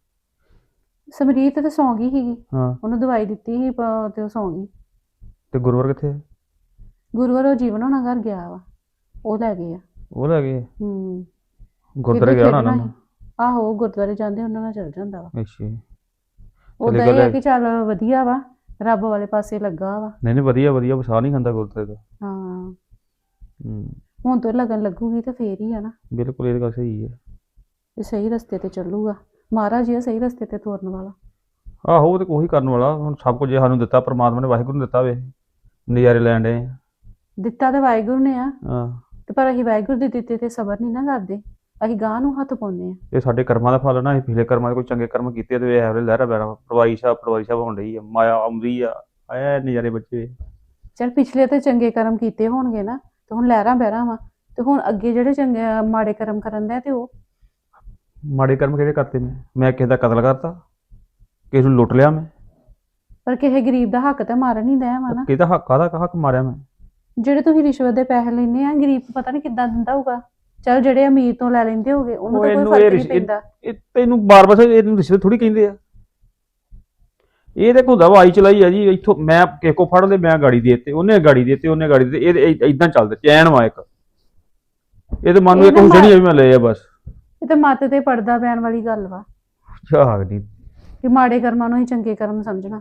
D: ਸਮਰੀਤ ਤੇ ਸੌਂ ਗਈ ਸੀਗੀ।
F: ਹਾਂ
D: ਉਹਨੂੰ ਦਵਾਈ ਦਿੱਤੀ ਸੀ ਪ- ਤੇ ਉਹ ਸੌਂ ਗਈ।
F: ਤੇ ਗੁਰਵਰ ਕਿੱਥੇ?
D: ਗੁਰੂਵਾਰ ਉਹ ਜੀਵਨ ਹੋਣਾ ਘਰ ਗਿਆ ਵਾ। ਉਹ ਲੈ ਗਏ ਆ।
F: ਉਹ ਲੈ ਗਏ
D: ਹੂੰ
F: ਗੁਰਦੁਆਰੇ ਗਿਆ ਹੋਣਾ ਉਹਨਾਂ ਨੂੰ।
D: ਆਹੋ ਉਹ ਗੁਰਦੁਆਰੇ ਜਾਂਦੇ ਉਹਨਾਂ ਨਾਲ ਚੱਲ ਜਾਂਦਾ ਵਾ।
F: ਅੱਛਾ
D: ਉਦਾਂ
F: ਗੱਲ
D: ਇਹ ਹੈ
F: ਹੈ।
D: ਕਿ ਚੱਲ ਵਧੀਆ ਵਾ ਰੱਬ ਵਾਲੇ ਪਾਸੇ ਲੱਗਾ ਵਾ।
F: ਨਹੀਂ ਨਹੀਂ ਵਧੀਆ ਵਧੀਆ ਵਸਾ ਨਹੀਂ ਖਾਂਦਾ ਗੁਰਦੁਆਰੇ ਦਾ।
D: ਹਾਂ
F: ਹੂੰ
D: ਹੁਣ ਤੋਂ ਲੱਗਣ ਲੱਗੂਗੀ ਤਾਂ ਫੇਰ ਹੀ ਆ ਨਾ।
F: ਬਿਲਕੁਲ ਇਹ ਗੱਲ ਸਹੀ ਹੈ।
D: ਤੇ ਸਹੀ ਰਸਤੇ ਤੇ ਚੱਲੂਗਾ। ਮਹਾਰਾਜ ਜੀ ਆ ਸਹੀ ਰਸਤੇ ਤੇ ਤੋਰਨ ਵਾਲਾ।
F: ਆਹੋ ਉਹ ਤੇ ਉਹੀ ਕਰਨ ਵਾਲਾ ਹੁਣ ਸਭ ਕੁਝ ਜੇ ਸਾਨੂੰ ਦਿੱਤਾ ਪ੍ਰਮਾਤਮਾ ਨੇ ਵਾਹਿਗੁਰੂ ਨੇ ਦਿੱਤਾ ਵੇ ਨਜ਼ਾਰੇ ਲੈਣ ਦੇ।
D: ਦਿੱਤਾ ਤਾਂ ਵਾਹਿਗੁਰੂ ਨੇ ਆ
F: ਹਾਂ
D: ਤੇ ਪਰ ਅਸੀਂ ਵਾਹਿਗੁਰੂ ਦੇ ਦਿੱਤੇ ਤੇ ਸਬਰ ਨਹੀਂ ਨਾ ਕਰਦੇ। ਅਸੀਂ ਗਾਂ ਨੂੰ ਹੱਥ ਪਾਉਂਦੇ ਆ।
F: ਇਹ ਸਾਡੇ ਕਰਮਾਂ ਦਾ ਫਲ ਨਾ ਅਸੀਂ ਪਿਛਲੇ ਕਰਮਾਂ ਦੇ ਕੋਈ ਚੰਗੇ ਕਰਮ ਕੀਤੇ ਤੇ ਇਹ ਲਹਿਰਾ ਬਹਿਰਾ ਪਰਵਾਈ ਸਾਹਿਬ ਪਰਵਾਈ ਸਾਹਿਬ ਹੋਣ ਰਹੀ ਆ ਮਾਇਆ ਆਉਂਦੀ ਆ ਐ ਨਜ਼ਾਰੇ ਬੱਚੇ।
D: ਚਲ ਪਿਛਲੇ ਤੇ ਚੰਗੇ ਕਰਮ ਕੀਤੇ ਹੋਣਗੇ ਨਾ ਤੇ ਹੁਣ ਲਹਿਰਾਂ ਬਹਿਰਾਂ ਵਾ ਤੇ ਹੁਣ ਅੱਗੇ ਜਿਹੜੇ ਚੰਗੇ ਮਾੜੇ ਕਰਮ ਕਰਨ ਦੇ ਤੇ ਉਹ
F: ਮਾੜੇ ਕਰਮ ਕਿਹੜੇ ਕਰਤੇ ਮੈਂ ਮੈਂ ਕਿਸੇ ਦਾ ਕਤਲ ਕਰਤਾ ਕਿਸੇ ਨੂੰ ਲੁੱਟ ਲਿਆ ਮੈਂ
D: ਪਰ ਕਿਸੇ ਗਰੀਬ ਦਾ ਹੱਕ ਤਾਂ ਮਾਰਨ ਨਹੀਂ ਦਿਆ ਵਾ ਨਾ।
F: ਕਿਹਦਾ ਹੱਕ ਕਾਹਦਾ ਹੱਕ ਮਾਰਿਆ ਮੈਂ?
D: ਜਿਹੜੇ ਤੁਸੀਂ ਰਿਸ਼ਵਤ ਦੇ ਪੈਸੇ ਲੈਂਦੇ ਆ ਗਰੀਬ ਪਤਾ ਨਹੀਂ ਕਿੱਦਾਂ ਦਿੰਦਾ ਹੋਊਗਾ। ਚਲ ਜਿਹੜੇ ਅਮੀਰ ਤੋਂ ਲੈ ਲੈਂਦੇ ਹੋਗੇ ਉਹਨੂੰ
F: ਉਹ
D: ਤਾਂ ਕੋਈ
F: ਇਹਨੂੰ
D: ਫਰਕ
F: ਇਹ
D: ਨਹੀਂ
F: ਰਿਸ਼-
D: ਪੈਂਦਾ।
F: ਇਹ ਤੈਨੂੰ ਬਾਰ-ਬਾਰ ਇਹਨੂੰ ਰਿਸ਼ਵਤ ਥੋੜੀ ਕਹਿੰਦੇ ਆ। ਇਹ ਤੇ ਹੁੰਦਾ ਵਾਈ ਚਲਾਈ ਆ ਜੀ ਇੱਥੋਂ ਮੈਂ ਕਿਸੇ ਕੋ ਫੜ ਲਏ ਮੈਂ ਗਾੜੀ ਦੇ ਦਿੱਤੇ ਉਹਨੇ ਗਾੜੀ ਦੇ ਦਿੱਤੇ ਉਹਨੇ ਗਾੜੀ ਦੇ ਦਿੱਤੇ ਇਹ ਇਦਾਂ ਚੱਲਦਾ ਚੈਨ ਵਾ ਇੱਕ। ਇਹ ਤੇ ਮਨ ਨੂੰ
D: ਇਹ
F: ਇੱਕ
D: ਨਾ
F: ਹੁਜਣੀ ਆ ਵੀ ਮੈਂ ਲਏ ਆ ਬਸ।
D: ਇਹ ਤਾਂ ਮੱਤ ਤੇ ਪੜਦਾ ਪੈਣ ਵਾਲੀ ਗੱਲ ਵਾ
F: ਝਾਗ ਨਹੀਂ
D: ਕਿ ਮਾੜੇ ਕਰਮਾਂ ਨੂੰ ਹੀ ਚੰਗੇ ਕਰਮ ਸਮਝਣਾ।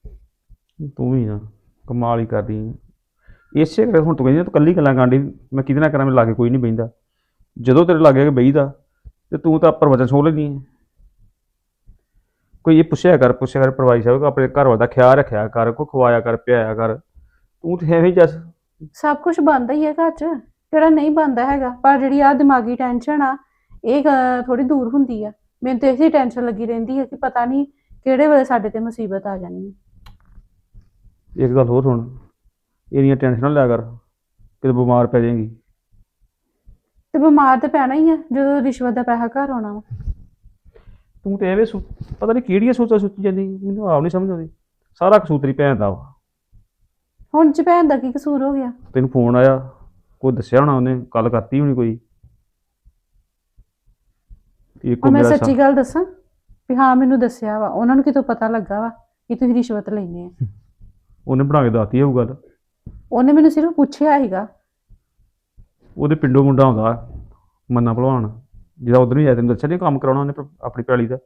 F: ਤੂੰ ਵੀ ਨਾ ਕਮਾਲ ਹੀ ਕਰਦੀ ਆਂ। ਇਸੇ ਕਰਕੇ ਹੁਣ ਤੂੰ ਕਹਿੰਦੀ ਤੂੰ ਕੱਲੀ ਗੱਲਾਂ ਕਾਂਡੀ ਮੈਂ ਕਿਹਦੇ ਨਾਲ ਕਰਾਂ ਮੇਰੇ ਲਾਗੇ ਕੋਈ ਨਹੀਂ ਬਹਿੰਦਾ। ਜਦੋਂ ਤੇਰੇ ਲਾਗੇ ਕੇ ਬਹਿਦਾ ਤੇ ਤੂੰ ਤਾਂ ਪ੍ਰਵਚਨ ਸੁਣ ਲੈਂਦੀ ਹੈ। ਕੋਈ ਇਹ ਪੁੱਛਿਆ ਕਰ ਪੁੱਛਿਆ ਕਰ ਪਰਵਾਈ ਸਾਹਿਬ ਆਪਣੇ ਘਰ ਵਾਲ ਦਾ ਖਿਆਲ ਰੱਖਿਆ ਕਰ ਕੋਈ ਖਵਾਇਆ ਕਰ ਪਿਆਇਆ ਕਰ ਤੂੰ ਤੇ ਐਵੇਂ ਹੀ ਜੱਸ।
D: ਸਭ ਕੁਝ ਬਣਦਾ ਹੀ ਹੈ ਘਰ 'ਚ ਕਿਹੜਾ ਨਹੀਂ ਬਣਦਾ ਹੈਗਾ ਪਰ ਜਿਹੜੀ ਆ ਦਿਮਾਗੀ ਟੈਨਸ਼ਨ ਆ ਇਹ ਥੋੜੀ ਦੂਰ ਹੁੰਦੀ ਆ। ਮੈਨੂੰ ਤਾਂ ਇਸੇ ਟੈਨਸ਼ਨ ਲੱਗੀ ਰਹਿੰਦੀ ਹੈ ਕਿ ਪਤਾ ਨਹੀਂ ਕਿਹੜੇ ਵੇਲੇ ਸਾਡੇ ਤੇ ਮੁਸੀਬਤ ਆ ਜਾਣੀ ਹੈ।
F: ਇੱਕ ਗੱਲ ਹੋਰ ਸੁਣ ਇਹਦੀਆਂ ਟੈਨਸ਼ਨ ਨਾ ਲਿਆ ਕਰ ਕਿਤੇ ਬਿਮਾਰ ਪੈ ਜਾਏਗੀ।
D: ਤੇ ਬਿਮਾਰ ਤਾਂ ਪੈਣਾ ਹੀ ਆ ਜਦੋਂ ਰਿਸ਼ਵਤ ਦਾ ਪੈਸਾ ਘਰ ਆਉਣਾ ਵਾ।
F: ਤੂੰ ਤੇ ਐਵੇਂ ਸੋ- ਪਤਾ ਨਹੀਂ ਕਿਹੜੀਆਂ ਸੋਚਾਂ ਸੋਚੀ ਜਾਂਦੀ ਮੈਨੂੰ ਆਪ ਨਹੀਂ ਸਮਝ ਆਉਂਦੀ। ਸਾਰਾ ਕਸੂਰ ਤੇਰੀ ਭੈਣ ਦਾ ਵਾ।
D: ਹੁਣ ਚ ਭੈਣ ਦਾ ਕੀ ਕਸੂਰ ਹੋ ਗਿਆ?
F: ਤੈਨੂੰ ਫੋਨ ਆਇਆ ਕੋਈ ਦੱਸਿਆ ਹੋਣਾ ਉਹਨੇ ਗੱਲ ਕਰਤੀ ਹੋਣੀ ਕੋਈ। ਇੱਕ
D: ਹੁਣ ਮੈਂ
F: ਮੇਰਾ
D: ਸੱਚੀ ਗੱਲ ਦੱਸਾਂ ਵੀ ਹਾਂ ਮੈਨੂੰ ਦੱਸਿਆ ਵਾ ਉਹਨਾਂ ਨੂੰ ਕਿਤੋਂ ਪਤਾ ਲੱਗਾ ਵਾ ਕਿ ਤੁਸੀਂ ਰਿਸ਼ਵਤ ਲੈਂਦੇ ਆ।
F: ਉਹਨੇ ਬਣਾ ਕੇ ਦੱਸਤੀ ਹੋਊ ਗੱਲ।
D: ਉਹਨੇ ਮੈਨੂੰ ਸਿਰਫ ਪੁੱਛਿਆ ਸੀਗਾ।
F: ਉਹਦੇ ਪਿੰਡੋਂ ਮੁੰਡਾ ਆਉਂਦਾ ਮੰਨਾ ਭਲਵਾਨ ਜਿਹਦਾ ਉਧਰ ਨਹੀਂ ਆਇਆ ਤੈਨੂੰ ਦੱਸਿਆ ਨਹੀਂ ਕੰਮ ਕਰਾਉਣਾ ਉਹਨੇ ਪ- ਆਪਣੀ ਪੈਲੀ ਦਾ।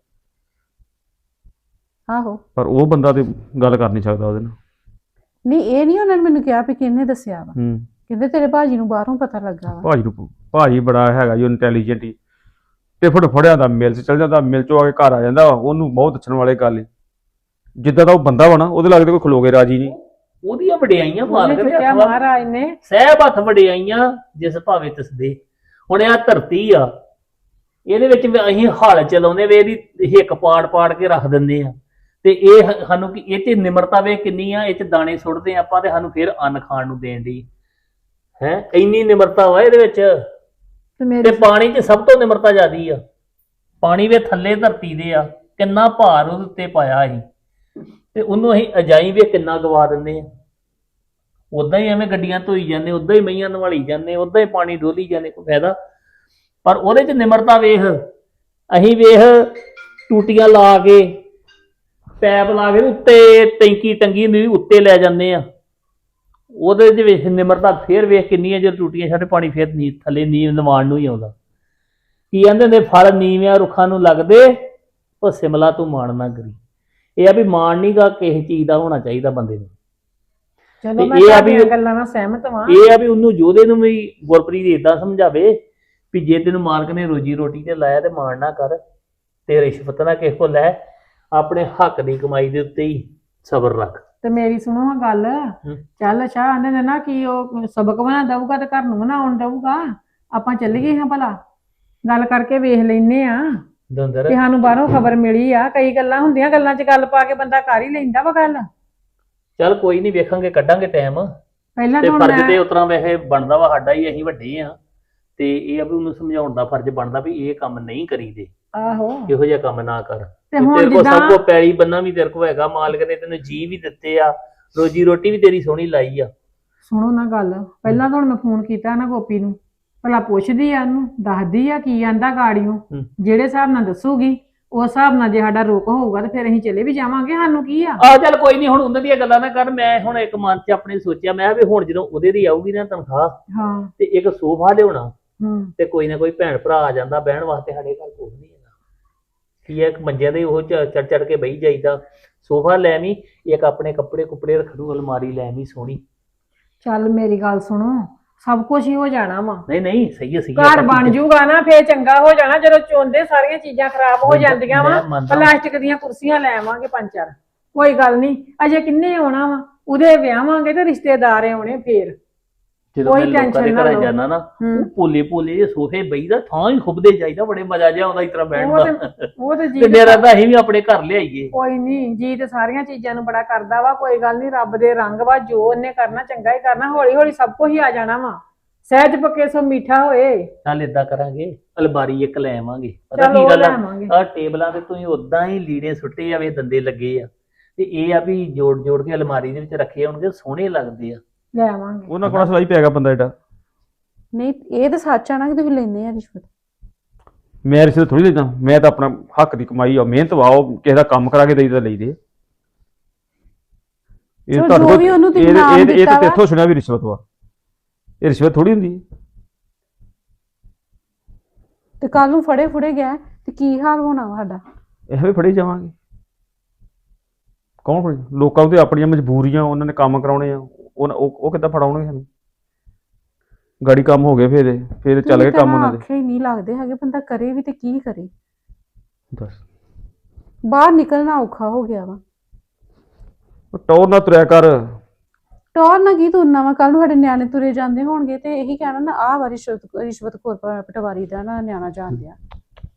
D: ਆਹੋ
F: ਪਰ ਉਹ ਬੰਦਾ ਤੇ ਗੱਲ ਕਰ ਨਹੀਂ ਸਕਦਾ ਉਹਦੇ ਨਾਲ।
D: ਨਹੀਂ ਇਹ ਨਹੀਂ ਉਹਨਾਂ ਨੇ ਮੈਨੂੰ ਕਿਹਾ ਵੀ ਕਿਹਨੇ ਦੱਸਿਆ ਵਾ।
F: ਹੂੰ
D: ਕਹਿੰਦੇ ਤੇਰੇ ਭਾਜੀ ਨੂੰ ਬਾਹਰੋਂ ਪਤਾ ਲੱਗਾ ਵਾ।
F: ਭਾਜੀ ਨੂੰ ਭਾਜੀ ਬੜਾ ਹੈਗਾ ਜੀ ਇੰਟੈਲੀਜੈਂਟ ਹੀ ਤੇ ਫੜ ਫੜਿਆ ਦਾ ਮਿਲ 'ਚ ਚੱਲ ਜਾਂਦਾ ਮਿਲ 'ਚੋਂ ਆ ਕੇ ਘਰ ਆ ਜਾਂਦਾ ਉਹਨੂੰ ਬਹੁਤ ਅੱਛਣ ਵਾਲੇ ਗੱਲ ਹੀ ਜਿੱਦਾਂ ਦਾ ਉਹ ਬੰਦਾ ਵਾ ਨਾ ਉਹਦੇ ਲੱਗਦੇ ਕੋਈ ਖਲੋ ਕੇ ਰਾਜੀ ਨਹੀਂ।
E: ਉਹਦੀਆਂ ਵਡਿਆਈਆਂ
A: ਉਹਨੇ
E: ਮਾਲਕ ਦੇ
A: ਚੁੱਕਿਆ
E: ਹੱਥ ਵਾ।
A: ਮਹਾਰਾਜ ਨੇ।
E: ਸਹਿਬ ਹੱਥ ਵਡਿਆਈਆਂ ਜਿਸ ਭਾਵੇਂ ਤਸਦੇ। ਹੁਣ ਇਹ ਧਰਤੀ ਆ ਇਹਦੇ ਵਿੱਚ ਵੀ ਅਸੀਂ ਹਲ ਚਲਾਉਂਦੇ ਵੇ ਇਹਦੀ ਹਿੱਕ ਪਾੜ ਪਾੜ ਕੇ ਰੱਖ ਦਿੰਦੇ ਆ ਤੇ ਇਹ ਹ- ਸਾਨੂੰ ਕਿ ਇਹ ਚ ਨਿਮਰਤਾ ਵੇ ਕਿੰਨੀ ਆ। ਇਹ ਚ ਦਾਣੇ ਸੁੱਟਦੇ ਆਪਾਂ ਤੇ ਸਾਨੂੰ ਫਿਰ ਅੰਨ ਖਾਣ ਨੂੰ ਦੇਣ ਦੀ ਹੈ ਇੰਨੀ ਨਿਮਰਤਾ ਵਾ ਇਹਦੇ ਵਿੱਚ।
A: ਤੇ
E: ਤੇ
A: ਮੇਰੀ
E: ਪਾਣੀ 'ਚ ਸਭ ਤੋਂ ਨਿਮਰਤਾ ਜ਼ਿਆਦੀ ਆ। ਪਾਣੀ ਵੇ ਥੱਲੇ ਧਰਤੀ ਦੇ ਆ ਕਿੰਨਾ ਭਾਰ ਉਹਦੇ ਉੱਤੇ ਪਾਇਆ ਅਸੀਂ ਤੇ ਉਹਨੂੰ ਅਸੀਂ ਅਜਾਈ ਵੇ ਕਿੰਨਾ ਗਵਾ ਦਿੰਦੇ ਆ। ਉਦਾਂ ਹੀ ਐਵੇਂ ਗੱਡੀਆਂ ਧੋਈ ਜਾਂਦੇ ਉਦਾਂ ਹੀ ਮਈਆਂ ਨਵਾਲੀ ਜਾਂਦੇ ਉਦਾਂ ਹੀ ਪਾਣੀ ਡੋਲੀ ਜਾਂਦੇ ਕੋਈ ਫਾਇਦਾ। ਪਰ ਉਹਦੇ 'ਚ ਨਿਮਰਤਾ ਵੇਖ ਅਸੀਂ ਵੇਖ ਟੂਟੀਆਂ ਲਾ ਕੇ ਪੈਪ ਲਾ ਕੇ ਉੱਤੇ ਟੈਂਕੀ ਟੰਗੀ ਹੁੰਦੀ ਉੱਤੇ ਲੈ ਜਾਂਦੇ ਆ। ਉਹਦੇ 'ਚ ਵੇਖ ਨਿਮਰਤਾ ਫੇਰ ਵੇਖ ਕਿੰਨੀ ਹੈ ਜਦੋਂ ਟੂਟੀਆਂ ਛੱਡ ਪਾਣੀ ਫੇਰ ਨੀ ਥੱਲੇ ਨੀਂਦ ਨਿਵਾਣ ਨੂੰ ਹੀ ਆਉਂਦਾ। ਕੀ ਕਹਿੰਦੇ ਨੇ, ਫਲ ਨੀਵਿਆਂ ਰੁੱਖਾਂ ਨੂੰ ਲੱਗਦੇ, ਉਹ ਸਿਮਲਾ ਤੂੰ ਮਾਣ ਨਾ ਕਰੀ। ਇਹ ਆ ਵੀ ਮਾਣ ਨਹੀਂ ਗਾ ਕਿਸੇ ਚੀਜ਼ ਦਾ ਹੋਣਾ ਚਾਹੀਦਾ ਬੰਦੇ ਨੂੰ।
A: ਚਲੋ
E: ਤੇ
A: ਮੈਂ
E: ਇਹ ਆ ਵੀ-
A: ਤੁਹਾਡੀਆਂ ਗੱਲਾਂ ਨਾਲ ਸਹਿਮਤ ਵਾਂ।
E: ਇਹ ਆ ਵੀ ਉਹਨੂੰ ਜੋਧੇ ਨੂੰ ਵੀ ਗੁਰਪ੍ਰੀਤ ਏਦਾਂ ਸਮਝਾਵੇ ਵੀ ਜੇ ਤੈਨੂੰ ਮਾਲਕ ਨੇ ਰੋਜੀ ਰੋਟੀ ਤੇ ਲਾਇਆ ਤੇ ਮਾਣ ਨਾ ਕਰ, ਤੇ ਰਿਸ਼ਵਤ ਨਾ ਕਿਸੇ ਕੋਲ ਲੈ, ਆਪਣੇ ਹੱਕ ਦੀ ਕਮਾਈ ਦੇ ਉੱਤੇ ਹੀ ਸਬਰ ਰੱਖ।
A: ਤੇ ਮੇਰੀ ਸੁਣੋ ਹਾਂ ਗੱਲ, ਚੱਲ ਅੱਛਾ ਆਂਦੇ ਨੇ ਨਾ ਕਿ ਉਹ ਸਬਕ ਬਣਾ ਦਊਗਾ ਤੇ ਘਰ ਨੂੰ ਬਣਾਉਣ ਦਊਗਾ। ਆਪਾਂ ਚੱਲ ਗਏ ਹਾਂ ਭਲਾ, ਗੱਲ ਕਰਕੇ ਵੇਖ ਲੈਨੇ ਆ
E: ਦੰਦਰ
A: ਕਿ ਸਾਨੂੰ ਬਾਹਰੋਂ ਖਬਰ ਮਿਲੀ ਆ। ਕਈ ਗੱਲਾਂ ਹੁੰਦੀਆਂ, ਗੱਲਾਂ 'ਚ ਗੱਲ ਪਾ ਕੇ ਬੰਦਾ ਕਰ ਹੀ ਲੈਂਦਾ ਵਾ ਗੱਲ।
E: ਚੱਲ ਕੋਈ ਨਹੀਂ, ਵੇਖਾਂਗੇ, ਕੱਢਾਂਗੇ ਟਾਈਮ।
A: ਪਹਿਲਾਂ
E: ਤੇ
A: ਤਾਂ
E: ਫਰਜ਼ ਤੇ
A: ਮੈਂ
E: ਉਤਰਾ ਵੈਸੇ ਬਣਦਾ ਵਾ ਸਾਡਾ ਹੀ, ਅਸੀਂ ਵੱਡੇ ਆ, ਤੇ ਇਹ ਆ ਵੀ ਉਹਨੂੰ ਸਮਝਾਉਣ ਦਾ ਫਰਜ਼ ਬਣਦਾ ਵੀ ਇਹ ਕੰਮ ਨਹੀਂ ਕਰੀਦੇ,
A: ਆਹੋ
E: ਇਹੋ ਜਿਹਾ ਕੰਮ ਨਾ ਕਰ।
A: ਤੇ ਹੁਣ
E: ਤੇਰੇ ਕੋਲ ਸਭ
A: ਜਿੱਦਾਂ
E: ਕੋ ਪੈਲੀ ਬੰਨਾ ਵੀ ਤੇਰੇ ਕੋਲ ਹੈਗਾ, ਮਾਲਕ ਨੇ ਤੈਨੂੰ ਜੀ ਵੀ ਦਿੱਤੇ ਆ, ਰੋਜੀ ਰੋਟੀ ਵੀ ਤੇਰੀ ਸੋਹਣੀ ਲਾਈ ਆ।
A: ਸੁਣੋ ਨਾ ਗੱਲ, ਪਹਿਲਾਂ ਤਾਂ ਹੁਣ ਮੈਂ ਫੋਨ ਕੀਤਾ ਨਾ ਗੋਪੀ ਨੂੰ, ਭਲਾ ਪੁੱਛਦੀ ਆ ਉਹਨੂੰ, ਦੱਸਦੀ ਆ ਕੀ ਆਂਦਾ ਗਾੜੀਓ।
E: ਹੂੰ।
A: ਜਿਹੜੇ ਹਿਸਾਬ ਨਾਲ ਦੱਸੂਗੀ ਉਸ ਹਿਸਾਬ ਨਾਲ ਜੇ ਸਾਡਾ ਰੋਕ ਹੋਊਗਾ ਤੇ ਫਿਰ ਅਸੀਂ ਚਲੇ ਵੀ ਜਾਵਾਂਗੇ। ਸਾਨੂੰ ਕੀ ਆ।
E: ਆਹ ਚੱਲ ਕੋਈ ਨਹੀਂ, ਹੁਣ ਉਹਨਾਂ ਦੀਆਂ ਗੱਲਾਂ ਨਾ ਕਰ। ਮੈਂ ਹੁਣ ਇੱਕ ਮਨ 'ਚ ਆਪਣੇ ਸੋਚਿਆ, ਮੈਂ ਕਿਹਾ ਵੀ ਹੁਣ ਜਦੋਂ ਉਹਦੇ ਦੀ ਆਊਗੀ ਨਾ ਤਨਖਾਹ,
A: ਹਾਂ
E: ਤੇ ਇੱਕ ਸੋਫਾ ਲਿਆਉਣਾ,
A: ਹੂੰ
E: ਤੇ ਕੋਈ ਨਾ ਕੋਈ ਭੈਣ ਭਰਾ ਆ ਜਾਂਦਾ ਬਹਿਣ ਵਾਸਤੇ, ਸਾਡੇ ਘਰ ਕੋਈ ਨਹੀਂ ਹੈਗਾ। ਕੀ ਹੈ, ਇੱਕ ਮੰਜਿਆਂ ਦੇ ਉਹ ਚੜ ਚੜ ਕੇ ਬਹਿ ਜਾਈਦਾ। ਸੋਫਾ ਲੈ ਵੀ, ਇੱਕ ਆਪਣੇ ਕੱਪੜੇ ਕੁੱਪੜੇ ਰੱਖ ਲੂ, ਅਲਮਾਰੀ ਲੈ ਵੀ ਸੋਹਣੀ।
A: ਚੱਲ ਮੇਰੀ ਗੱਲ ਸੁਣੋ, ਸਭ ਕੁਝ ਹੀ ਹੋ ਜਾਣਾ ਵਾ।
E: ਨਹੀਂ ਨਹੀਂ, ਸਹੀ ਹੈ, ਸਹੀ
A: ਘਰ ਬਣ ਜੂਗਾ ਨਾ ਫੇਰ ਚੰਗਾ ਹੋ ਜਾਣਾ। ਜਦੋਂ ਚੋਂਦੇ ਸਾਰੀਆਂ ਚੀਜ਼ਾਂ ਖਰਾਬ ਹੋ ਜਾਂਦੀਆਂ ਵਾ,
E: ਮੈਂ ਮੰਨਦਾ।
A: ਪਲਾਸਟਿਕ ਦੀਆਂ ਕੁਰਸੀਆਂ ਲੈ ਆਵਾਂਗੇ ਪੰਜ ਚਾਰ, ਕੋਈ ਗੱਲ ਨਹੀਂ। ਅਜੇ ਕਿੰਨੇ ਆਉਣਾ ਵਾ, ਉਹਦੇ ਵਿਆਹਾਂਗੇ ਤੇ ਰਿਸ਼ਤੇਦਾਰ ਆਉਣੇ ਫੇਰ।
E: ਜਦੋਂ
A: ਕੋਈ
E: ਮੈਂ ਲੋਕਾਂ ਦੇ
A: tension ਨਾ
E: ਘਰੇ
A: ਲਓ।
E: ਜਾਣਾ ਨਾ,
A: ਹੂੰ।
E: ਉਹ ਪੋਲੇ ਪੋਲੇ ਜਿਹੇ ਸੋਫੇ ਬਈਦਾ, ਥਾਂ ਹੀ ਖੁੱਬਦੇ ਜਾਈਦਾ, ਬੜੇ ਮਜ਼ਾ ਜਿਹਾ ਆਉਂਦਾ ਇਸ ਤਰ੍ਹਾਂ ਬਹਿਣ
A: ਉਹ
E: ਦਾ।
A: ਤੇ ਉਹ ਤੇ ਜੀ
E: ਤੇ ਮੇਰਾ ਤਾਂ ਅਸੀਂ ਵੀ ਆਪਣੇ ਘਰ ਲਿਆਈਏ।
A: ਕੋਈ ਨਹੀਂ, ਜੀ ਤੇ ਸਾਰੀਆਂ ਚੀਜ਼ਾਂ ਨੂੰ ਬੜਾ ਕਰਦਾ ਵਾ। ਕੋਈ ਗੱਲ ਨਹੀਂ, ਰੱਬ ਦੇ ਰੰਗ ਵਾ, ਜੋ ਉਹਨੇ ਕਰਨਾ ਚੰਗਾ ਹੀ ਕਰਨਾ। ਹੌਲੀ ਹੌਲੀ ਸਭ ਕੁਝ ਹੀ ਆ ਜਾਣਾ ਵਾ। ਸਹਿਜ ਪੱਕੇ ਸੋ ਮਿੱਠਾ ਹੋਏ।
E: ਚੱਲ ਏਦਾਂ ਕਰਾਂਗੇ, ਅਲਮਾਰੀ ਇੱਕ ਲੈ ਆਵਾਂਗੇ। ਪਤਾ
A: ਚੱਲ
E: ਕੀ
A: ਉਹ
E: ਗੱਲ
A: ਲੈ
E: ਆ,
A: ਆਵਾਂਗੇ।
E: ਆਹ ਟੇਬਲਾਂ ਤੇ ਤੁਸੀਂ ਉਦਾਂ ਹੀ ਲੀੜੇ ਸੁੱਟੇ ਜਾਵੇ, ਦੰਦੇ ਲੱਗੇ ਆ, ਤੇ ਇਹ ਆ ਵੀ ਜੋੜ ਜੋੜ ਕੇ ਅਲਮਾਰੀ ਦੇ ਵਿੱਚ ਰੱਖੇ ਹੋਣਗੇ, ਸੋਹਣੇ ਲੱਗਦੇ ਆ।
A: ਲੈ ਆਵਾਂਗੇ।
F: ਉਹਨਾਂ ਕੋਲ ਸਲਾਈ ਪੈ ਗਿਆ ਬੰਦਾ ਏਡਾ।
D: ਨਹੀਂ ਇਹ ਤਾਂ ਸੱਚ ਆ ਨਾ ਕਿ ਤੁਸੀਂ ਲੈਂਦੇ ਆ ਰਿਸ਼ਵਤ।
F: ਮੈਂ ਰਿਸ਼ਵਤ ਥੋੜੀ ਲੈਂਦਾ, ਮੈਂ ਤਾਂ ਆਪਣਾ ਹੱਕ ਦੀ ਕਮਾਈ ਆ, ਮਿਹਨਤ ਵਾ, ਉਹ ਕਿਸੇ ਦਾ ਕੰਮ ਕਰਾ ਕੇ ਦੇਈ ਤਾਂ ਲਈਦੇ। ਇਹ
D: ਚਲੋ
F: ਤੁਹਾਡੇ
D: ਜੋ ਵੀ ਉਹਨੂੰ
F: ਕੋਲ
D: ਤੁਸੀਂ
F: ਇਹ
D: ਨਾਮ
F: ਇਹ- ਇਹ
D: ਦਿੱਤਾ
F: ਤਾਂ
D: ਵਾ।
F: ਤੇਥੋਂ ਸੁਣਿਆ ਵੀ ਰਿਸ਼ਵਤ ਵਾ। ਇਹ ਰਿਸ਼ਵਤ ਥੋੜੀ ਹੁੰਦੀ ਹੈ।
D: ਤੇ ਕੱਲ ਨੂੰ ਫੜੇ ਫੁੜੇ ਗਿਆ ਤੇ ਕੀ ਹਾਲ ਹੋਣਾ ਵਾ ਸਾਡਾ।
F: ਇਹੋ ਹੀ ਫੜੇ ਜਾਵਾਂਗੇ। ਕੌਣ ਫੜੇ? ਲੋਕਾਂ ਨੂੰ ਤੇ ਆਪਣੀਆਂ ਮਜਬੂਰੀਆਂ, ਉਹਨਾਂ ਨੇ ਕੰਮ ਕਰਾਉਣੇ ਆ, ਉਹ ਉਹ ਉਹ ਕਿੱਦਾਂ ਫੜਾਉਣਗੇ ਸਾਨੂੰ? ਗਾੜੀ ਕੰਮ ਹੋ ਗਏ, ਫੇਰ ਫੇਰ ਚੱਲ ਗਏ ਕੰਮ ਉਹਨਾਂ ਦੇ।
D: ਆਖੇ ਹੀ ਨਹੀਂ ਲੱਗਦੇ ਹੈਗੇ, ਬੰਦਾ ਕਰੇ ਵੀ ਤੇ ਕੀ ਕਰੇ।
F: ਦੱਸ,
D: ਬਾਹਰ ਨਿਕਲਣਾ ਔਖਾ ਹੋ ਗਿਆ ਵਾ।
F: ਉਹ ਟੌਰ ਨਾ ਤੁਰਿਆ ਕਰ।
D: ਟੌਰ ਨਾ ਕੀ ਤੁਰਨਾ ਵਾ, ਕੱਲ ਨੂੰ ਸਾਡੇ ਨਿਆਣੇ ਤੁਰੇ ਜਾਂਦੇ ਹੋਣਗੇ ਤੇ ਇਹੀ ਕਹਿਣਾ ਨਾ, ਆਹ ਵਾ ਰਿਸ਼ਵਤ ਰਿਸ਼ਵਤ ਖੋਰ ਪ- ਪਟਵਾਰੀ ਦਾ ਨਾ ਨਿਆਣਾ ਜਾਂਦੇ ਆ।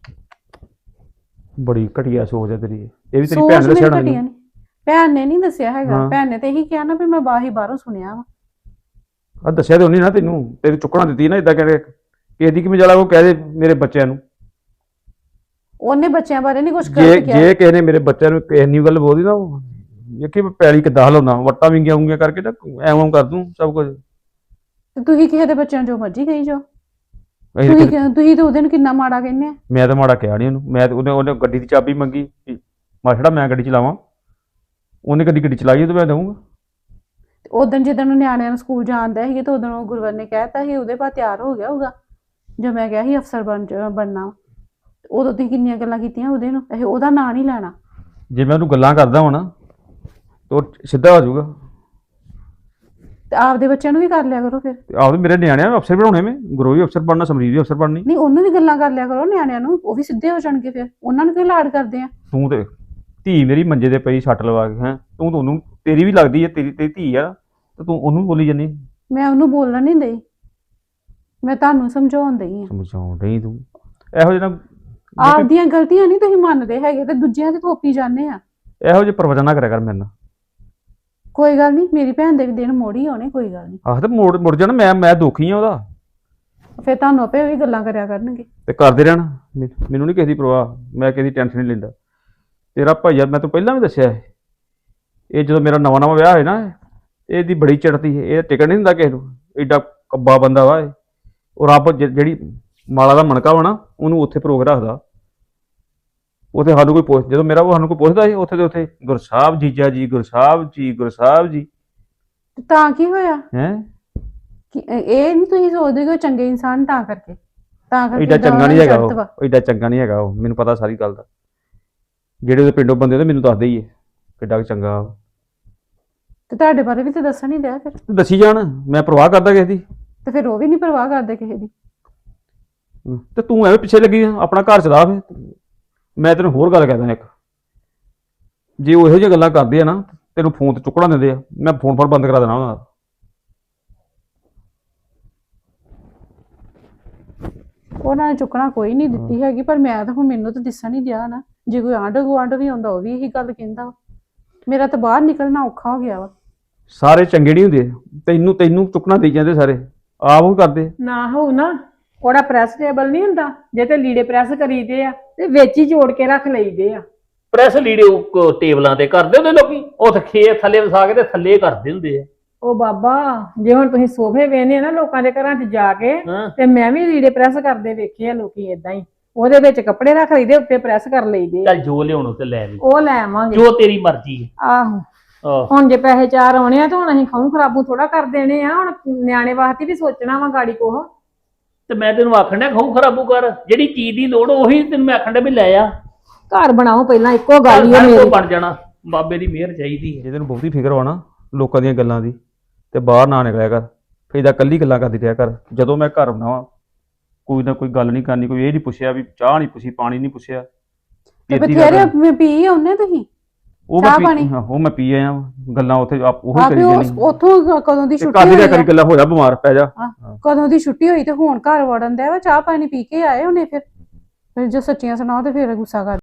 F: ਬੜੀ ਘਟੀਆ ਸੋਚ ਹੈ ਤੇਰੀ। ਇਹ ਵੀ ਤੇਰੀ
D: ਸੋਚ
F: ਭੈਣ ਨੇ
D: ਮੇਰੀ
F: ਦੱਸਿਆ
D: ਘਟੀਆ
F: ਨਾ।
D: ਨੀ। ਭੈਣ ਨੇ ਨਹੀਂ ਦੱਸਿਆ ਹੈਗਾ,
F: ਹਾਂ।
D: ਭੈਣ ਨੇ ਤੇ ਇਹੀ ਕਿਹਾ ਨਾ ਵੀ ਮੈਂ ਬਾਹੀ ਬਾਹਰੋਂ ਸੁਣਿਆ ਵਾ।
F: ਆ ਦੱਸਿਆ ਤੇ ਉਹਨੇ ਨਾ ਤੈਨੂੰ, ਤੇਰੀ ਚੁੱਕਣਾ ਦਿੱਤੀ ਨਾ ਏਦਾਂ ਕਹਿੰਦੇ ਕਿਸੇ ਦੀ ਕਿਵੇਂ ਜਾਲਾ ਉਹ ਕਹਿ ਦੇ ਮੇਰੇ ਬੱਚਿਆਂ ਨੂੰ।
D: ਉਹਨੇ ਬੱਚਿਆਂ ਬਾਰੇ ਨਹੀਂ ਕੁਝ
F: ਜੇ
D: ਗਲਤ ਕਿਹਾ।
F: ਜੇ ਕਿਸੇ ਨੇ ਮੇਰੇ ਬੱਚਿਆਂ ਨੂੰ ਇੰਨੀ ਗੱਲ ਬੋਲਦੀ ਨਾ, ਉਹ ਇਹ ਕਿ ਪੈਲੀ ਕਿੱਦਾਂ ਹਲਾਉਣਾ, ਵੱਟਾਂ ਵਿੰਗੀਆਂ ਉਂਗੀਆਂ ਕਰਕੇ ਤਾਂ ਐਵੇਂ ਕਰ ਦੂੰ ਸਭ ਕੁਝ।
D: ਤੇ ਤੁਸੀਂ ਕਿਸੇ ਦੇ ਬੱਚਿਆਂ ਜੋ ਮਰਜ਼ੀ ਕਹੀ ਜਾਓ।
F: ਅਸੀਂ
D: ਤੁਸੀਂ
F: ਤਾਂ-
D: ਕਿਹਾ- ਤੁਸੀਂ ਤਾਂ ਉਹਦੇ ਨੂੰ ਕਿੰਨਾ ਮਾੜਾ ਕਹਿੰਦੇ ਆ।
F: ਮੈਂ ਤਾਂ ਮਾੜਾ ਕਿਹਾ ਨਹੀਂ ਉਹਨੂੰ। ਮੈਂ ਤਾਂ ਉਹਨੇ ਉਹਨੇ ਗੱਡੀ ਦੀ ਚਾਬੀ ਮੰਗੀ, ਮਾਸ਼ੜਾ ਮੈਂ ਗੱਡੀ ਚਲਾਵਾਂ। ਉਹਨੇ ਕਦੀ ਗੱਡੀ ਚਲਾਈ ਤਾਂ ਮੈਂ ਦਊਂਗਾ।
D: ਉਦੋਂ ਜਦੋਂ ਨਿਆਣਿਆਂ ਨੂੰ ਸਕੂਲ ਜਾਣਦਾ ਸੀ ਤੇ ਉਦੋਂ ਗੁਰਵਰ ਨੇ ਕਹਿਤਾ ਸੀ ਉਹਦੇ ਬਾਅਦ ਤਿਆਰ ਹੋ ਗਿਆ ਹੋਊਗਾ। ਜੋ ਮੈਂ ਕਿਹਾ ਸੀ ਅਫਸਰ ਬਣ ਜਾ- ਬਣਨਾ ਵਾ। ਉਦੋਂ ਤੁਸੀਂ ਕਿੰਨੀਆਂ ਗੱਲਾਂ ਕੀਤੀਆਂ ਉਹਦੇ ਨੂੰ, ਇਹ ਉਹਦਾ ਨਾਂ ਨਹੀਂ ਲੈਣਾ।
F: ਜੇ ਮੈਂ ਉਹਨੂੰ ਗੱਲਾਂ ਕਰਦਾ ਹੋਣਾ ਤਾਂ ਉਹ ਸਿੱਧਾ ਹੋ ਜਾਊਗਾ।
D: ਤੇ ਆਪਦੇ ਬੱਚਿਆਂ ਨੂੰ ਵੀ ਕਰ ਲਿਆ ਕਰੋ ਫਿਰ।
F: ਤੇ ਆਪਦੇ ਮੇਰੇ ਨਿਆਣਿਆਂ ਨੂੰ ਅਫਸਰ ਬਣਾਉਣੇ, ਮੈਂ ਗੁਰੂ ਵੀ ਅਫਸਰ ਬਣਨਾ, ਸਮਰੀਤ ਵੀ ਅਫਸਰ ਬਣਨੀ।
D: ਨਹੀਂ ਉਹਨੂੰ ਵੀ ਗੱਲਾਂ ਕਰ ਲਿਆ ਕਰੋ ਨਿਆਣਿਆਂ ਨੂੰ, ਉਹ ਵੀ ਸਿੱਧੇ ਹੋ ਜਾਣਗੇ ਫਿਰ। ਉਹਨਾਂ ਨੂੰ ਕਿਉਂ ਲਾਡ ਕਰਦੇ ਆ।
F: ਤੂੰ ਤੇ ਧੀ ਮੇਰੀ ਮੰਜੇ ਤੇ ਪਈ ਛੱਟ ਲਵਾ ਕੇ, ਹੈ ਤੂੰ ਤਾਂ ਉਹਨੂੰ, ਤੇਰੀ ਵੀ ਲੱਗਦੀ ਹੈ, ਤੇਰੀ ਤੇਰੀ ਧੀ ਆ, ਤੇ ਤੂੰ ਉਹਨੂੰ ਵੀ ਬੋਲੀ ਜਾਂਦੀ।
D: ਮੈਂ ਉਹਨੂੰ ਬੋਲਣ ਨਹੀਂ ਦਈ, ਮੈਂ ਤੁਹਾਨੂੰ ਸਮਝਾਉਣ ਦਈ ਆ।
F: ਸਮਝਾਉਣ ਡਈ ਤੂੰ ਇਹੋ ਜਿਹੇ ਨਾ,
D: ਆਪਦੀਆਂ ਗਲਤੀਆਂ ਨਹੀਂ ਤੁਸੀਂ ਮੰਨਦੇ ਹੈਗੇ ਤੇ ਦੂਜਿਆਂ ਤੇ ਥੋਪੀ ਜਾਂਦੇ ਆ।
F: ਇਹੋ ਜਿਹੇ ਪ੍ਰਵਚਨ ਨਾ ਕਰਿਆ ਕਰ ਮੇਰੇ ਨਾਲ।
D: ਕੋਈ ਗੱਲ ਨਹੀਂ, ਮੇਰੀ ਭੈਣ ਦੇ ਵੀ ਦਿਨ ਮੋੜ ਹੀ ਆਉਣੇ, ਕੋਈ ਗੱਲ ਨਹੀਂ।
F: ਆਹ ਤੇ ਮੁੜ ਮੁੜ ਜਾਣਾ, ਮੈਂ ਮੈਂ ਦੁਖੀ ਆ ਉਹਦਾ।
D: ਫਿਰ ਤੁਹਾਨੂੰ ਆਪੇ ਵੀ ਗੱਲਾਂ ਕਰਿਆ ਕਰਨਗੇ।
F: ਤੇ ਕਰਦੇ ਰਹਿਣਾ, ਮੈਨ- ਮੈਨੂੰ ਨਹੀਂ ਕਿਸੇ ਦੀ ਪਰਵਾਹ, ਮੈਂ ਕਿਸੇ ਦੀ ਟੈਨਸ਼ਨ ਨਹੀਂ ਲੈਂਦਾ। ਤੇਰਾ ਭਾਈਆ ਮੈਂ ਤਾਂ ਪਹਿਲਾਂ ਵੀ ਦੱਸਿਆ ਹੈ, ਇਹ ਜਦੋਂ ਮੇਰਾ ਨਵਾਂ ਨਵਾਂ ਵਿਆਹ ਹੋਇਆ ਨਾ, ਇਹਦੀ ਬੜੀ ਚੜਤੀ ਹੈ, ਇਹ ਟਿਕਟ ਨਹੀਂ ਦਿੰਦਾ ਕਿਸੇ ਨੂੰ, ਐਡਾ ਕੱਬਾ ਬੰਦਾ ਵਾ ਇਹ। ਉਹ ਰੱਬ ਜ- ਜਿਹੜੀ ਮਾਲਾ ਦਾ ਮਣਕਾ ਵਾ ਨਾ, ਉਹਨੂੰ ਉੱਥੇ ਪਰੋਗ ਰੱਖਦਾ। ਉੱਥੇ ਸਾਨੂੰ ਕੋਈ ਪੁੱਛ, ਜਦੋਂ ਮੇਰਾ ਉਹ ਸਾਨੂੰ ਕੋਈ ਪੁੱਛਦਾ ਸੀ, ਉੱਥੇ ਤੇ ਉੱਥੇ ਗੁਰਸਾਹਿਬ ਜੀਜਾ ਜੀ, ਗੁਰਸਾਹਿਬ ਜੀ, ਗੁਰਸਾਹਿਬ ਜੀ।
D: ਤੇ ਤਾਂ ਕੀ ਹੋਇਆ
F: ਹੈ
D: ਕਿ ਇਹ ਨਹੀਂ ਤੁਸੀਂ ਸੋਚਦੇ ਕਿ ਉਹ ਚੰਗੇ ਇਨਸਾਨ ਤਾਂ ਕਰਕੇ। ਤਾਂ ਕਰਕੇ
F: ਐਡਾ
D: ਏਦਾਂ
F: ਚੰਗਾ ਨਹੀਂ
D: ਉਹਨਾਂ
F: ਹੈਗਾ
D: ਦੀ
F: ਉਹ
D: ਸ਼ਰਤ ਵਾ।
F: ਐਡਾ ਚੰਗਾ ਨਹੀਂ ਹੈਗਾ ਉਹ, ਮੈਨੂੰ ਪਤਾ ਸਾਰੀ ਗੱਲ ਦਾ। ਜਿਹੜੇ ਉਹਦੇ ਪਿੰਡੋਂ ਬੰਦੇ ਉਹਦੇ ਮੈਨੂੰ ਦੱਸਦੇ ਹੀ ਹੈ ਕਿੱਡਾ ਕੁ ਚੰਗਾ ਉਹ।
D: ਤੇ ਤੁਹਾਡੇ ਬਾਰੇ ਵੀ ਤੇ ਦੱਸਣ ਹੀ ਦਿਆ ਫਿਰ,
F: ਤੇ ਦੱਸੀ ਜਾਣ, ਮੈਂ ਪਰਵਾਹ ਕਰਦਾ ਕਿਸੇ ਦੀ।
D: ਤੇ ਫਿਰ ਉਹ ਵੀ ਨਹੀਂ ਪਰਵਾਹ ਕਰਦੇ ਕਿਸੇ ਦੀ।
F: ਤੇ ਤੂੰ ਐਵੇਂ ਪਿੱਛੇ ਲੱਗੀ ਆ, ਆਪਣਾ ਘਰ ਚਲਾ ਫੇ। ਮੈਂ ਤੈਨੂੰ ਹੋਰ ਗੱਲ ਕਹਿ ਦਾਂ ਇੱਕ, ਜੇ ਉਹ ਇਹੋ ਜਿਹੀਆਂ ਗੱਲਾਂ ਕਰਦੇ ਆ ਨਾ, ਤੈਨੂੰ ਫੋਨ ਤੇ ਚੁੱਕਣਾ ਦਿੰਦੇ ਆ, ਮੈਂ ਫੋਨ ਫੜ ਬੰਦ ਕਰਾ ਦੇਣਾ ਉਹਨਾਂ ਦਾ।
D: ਉਹਨਾਂ ਨੇ ਚੁੱਕਣਾ ਕੋਈ ਨਹੀਂ ਦਿੱਤੀ ਹੈਗੀ, ਪਰ ਮੈਂ ਤਾਂ ਹੁਣ ਮੈਨੂੰ ਤਾਂ ਦਿਸਣ ਨਹੀਂ ਦਿਆ ਨਾ। ਜੇ ਕੋਈ ਆਂਢ ਗੁਆਂਢ ਵੀ ਆਉਂਦਾ ਉਹ ਵੀ ਇਹੀ ਗੱਲ ਕਹਿੰਦਾ ਵਾ। ਮੇਰਾ ਤਾਂ ਬਾਹਰ ਨਿਕਲਣਾ ਔਖਾ ਹੋ ਗਿਆ ਵਾ।
F: ਸਾਰੇ ਚੰਗੇ ਨਹੀਂ ਹੁੰਦੇ, ਤੈਨੂੰ ਤੈਨੂੰ ਚੁੱਕਣਾ ਦੇਈ ਜਾਂਦੇ ਸਾਰੇ, ਆਪ ਉਹ ਕਰਦੇ।
A: ਨਾ ਹੋਊ ਨਾ, ਉਹਦਾ ਪ੍ਰੈਸ ਟੇਬਲ ਨਹੀਂ ਹੁੰਦਾ ਜੇ ਤੇ ਲੀੜੇ ਪ੍ਰੈਸ ਕਰੀਦੇ ਆ ਤੇ ਵਿੱਚ ਹੀ ਜੋੜ ਕੇ ਰੱਖ ਲਈਦੇ ਆ।
E: ਪ੍ਰੈਸ ਲੀੜੇ ਉਹ ਟੇਬਲਾਂ ਤੇ ਕਰਦੇ ਹੁੰਦੇ ਲੋਕੀ, ਉਹ ਤੇ ਖੇ ਥੱਲੇ ਵਸਾ ਕੇ ਤੇ ਥੱਲੇ ਕਰਦੇ ਹੁੰਦੇ ਆ।
A: ਉਹ ਬਾਬਾ, ਜੇ ਹੁਣ ਤੁਸੀਂ ਸੋਫੇ ਵੇਖਦੇ ਆ ਨਾ ਲੋਕਾਂ ਦੇ ਘਰਾਂ 'ਚ ਜਾ ਕੇ,
E: ਹਾਂ
A: ਤੇ ਮੈਂ ਵੀ ਲੀੜੇ ਪ੍ਰੈਸ ਕਰਦੇ ਵੇਖੇ ਆ ਲੋਕੀ ਏਦਾਂ ਹੀ, ਉਹਦੇ ਵਿੱਚ ਕੱਪੜੇ ਰੱਖ ਲਈਦੇ, ਉੱਤੇ ਪ੍ਰੈਸ ਕਰ ਲਈਦੇ ਆ।
E: ਚੱਲ ਜੋ ਲਿਆਉਣੋ ਤੇ ਲੈ ਲਈ,
A: ਉਹ ਲੈ ਆਵਾਂਗੇ।
E: ਜੋ ਤੇਰੀ ਮਰਜ਼ੀ ਹੈ।
A: ਆਹੋ,
E: ਆਹ
A: ਹੁਣ ਜੇ ਪੈਸੇ ਚਾਰ ਆਉਣੇ ਆ ਤਾਂ ਹੁਣ ਅਸੀਂ ਖਾਉ ਖਰਾਬੂ ਥੋੜਾ ਕਰ ਦੇਣੇ ਆ। ਹੁਣ ਨਿਆਣੇ ਵਾਸਤੇ ਵੀ ਸੋਚਣਾ ਵਾ ਗਾੜੀ ਕੋਹ।
E: ਤੇ ਮੈਂ ਤੈਨੂੰ ਆਖਣ ਡਿਆ ਖਾਉ ਖਰਾਬੂ ਕਰ, ਜਿਹੜੀ ਚੀਜ਼ ਦੀ ਲੋੜ ਉਹੀ ਤੈਨੂੰ ਮੈਂ ਆਖਣ ਡਿਆ ਵੀ ਲੈ ਆ।
A: ਘਰ ਬਣਾਓ ਪਹਿਲਾਂ, ਇੱਕੋ ਗੱਲ ਹੀ ਆ
E: ਸਾਰਾ ਕੁਝ
A: ਮੇਰੀ।
E: ਬਣ ਜਾਣਾ, ਬਾਬੇ ਦੀ ਮਿਹਰ ਚਾਹੀਦੀ ਹੈ।
F: ਜੇ ਤੈਨੂੰ ਬਹੁਤੀ ਫਿਕਰ ਵਾ ਨਾ ਲੋਕਾਂ ਦੀਆਂ ਗੱਲਾਂ ਦੀ, ਤੇ ਬਾਹਰ ਨਾ ਨਿਕਲਿਆ ਕਰ, ਫਿਰ ਇਹਦਾ ਕੱਲੀ ਗੱਲਾਂ ਕਰਦੀ ਰਿਹਾ ਕਰ। ਜਦੋਂ ਮੈਂ ਘਰ ਬਣਾਵਾਂ, ਕੋਈ ਨਾ ਕੋਈ ਗੱਲ ਨਹੀਂ ਕਰਨੀ, ਕੋਈ ਇਹ ਨਹੀਂ ਪੁੱਛਿਆ ਵੀ ਚਾਹ ਨਹੀਂ ਪੁੱਛੀ, ਪਾਣੀ ਨਹੀਂ ਪੁੱਛਿਆ।
D: ਤੇ
F: ਇੱਦਾਂ ਹੀ ਨਾ
D: ਬਥੇਰੇ
F: ਕਰ।
D: ਮੈਂ ਪੀ ਆਉਨੇ ਤੁਸੀਂ
F: ਉਹ
D: ਚਾਹ
F: ਮੈਂ
D: ਪਾਣੀ?
F: ਪੀ, ਹਾਂ, ਉਹ ਮੈਂ ਪੀ ਆਇਆ ਵਾਂ। ਗੱਲਾਂ ਉੱਥੇ ਆਪ ਉਹੀ
D: ਆਪੇ
F: ਕਰੀ
D: ਉਹ
F: ਜਾਣੀ।
D: ਉੱਥੋਂ ਕਦੋਂ ਦੀ
F: ਤੇ
D: ਛੁੱਟੀ
F: ਕਾਦੀ ਦਾ
D: ਹੋਈ
F: ਕਰੀ
D: ਆ,
F: ਗੱਲਾਂ ਹੋਇਆ ਬਿਮਾਰ ਪੈ ਜਾ।
D: ਕਦੋਂ ਦੀ ਛੁੱਟੀ ਹੋਈ ਤੇ ਹੁਣ ਘਰ ਵੜਨ ਦਿਆ ਵਾ। ਚਾਹ ਪਾਣੀ ਪੀ ਕੇ ਆਏ ਹੋਣੇ ਫਿਰ ਫਿਰ ਜੇ ਸੱਚੀਆਂ ਸੁਣਾਓ ਤੇ ਫਿਰ ਗੁੱਸਾ ਕਰ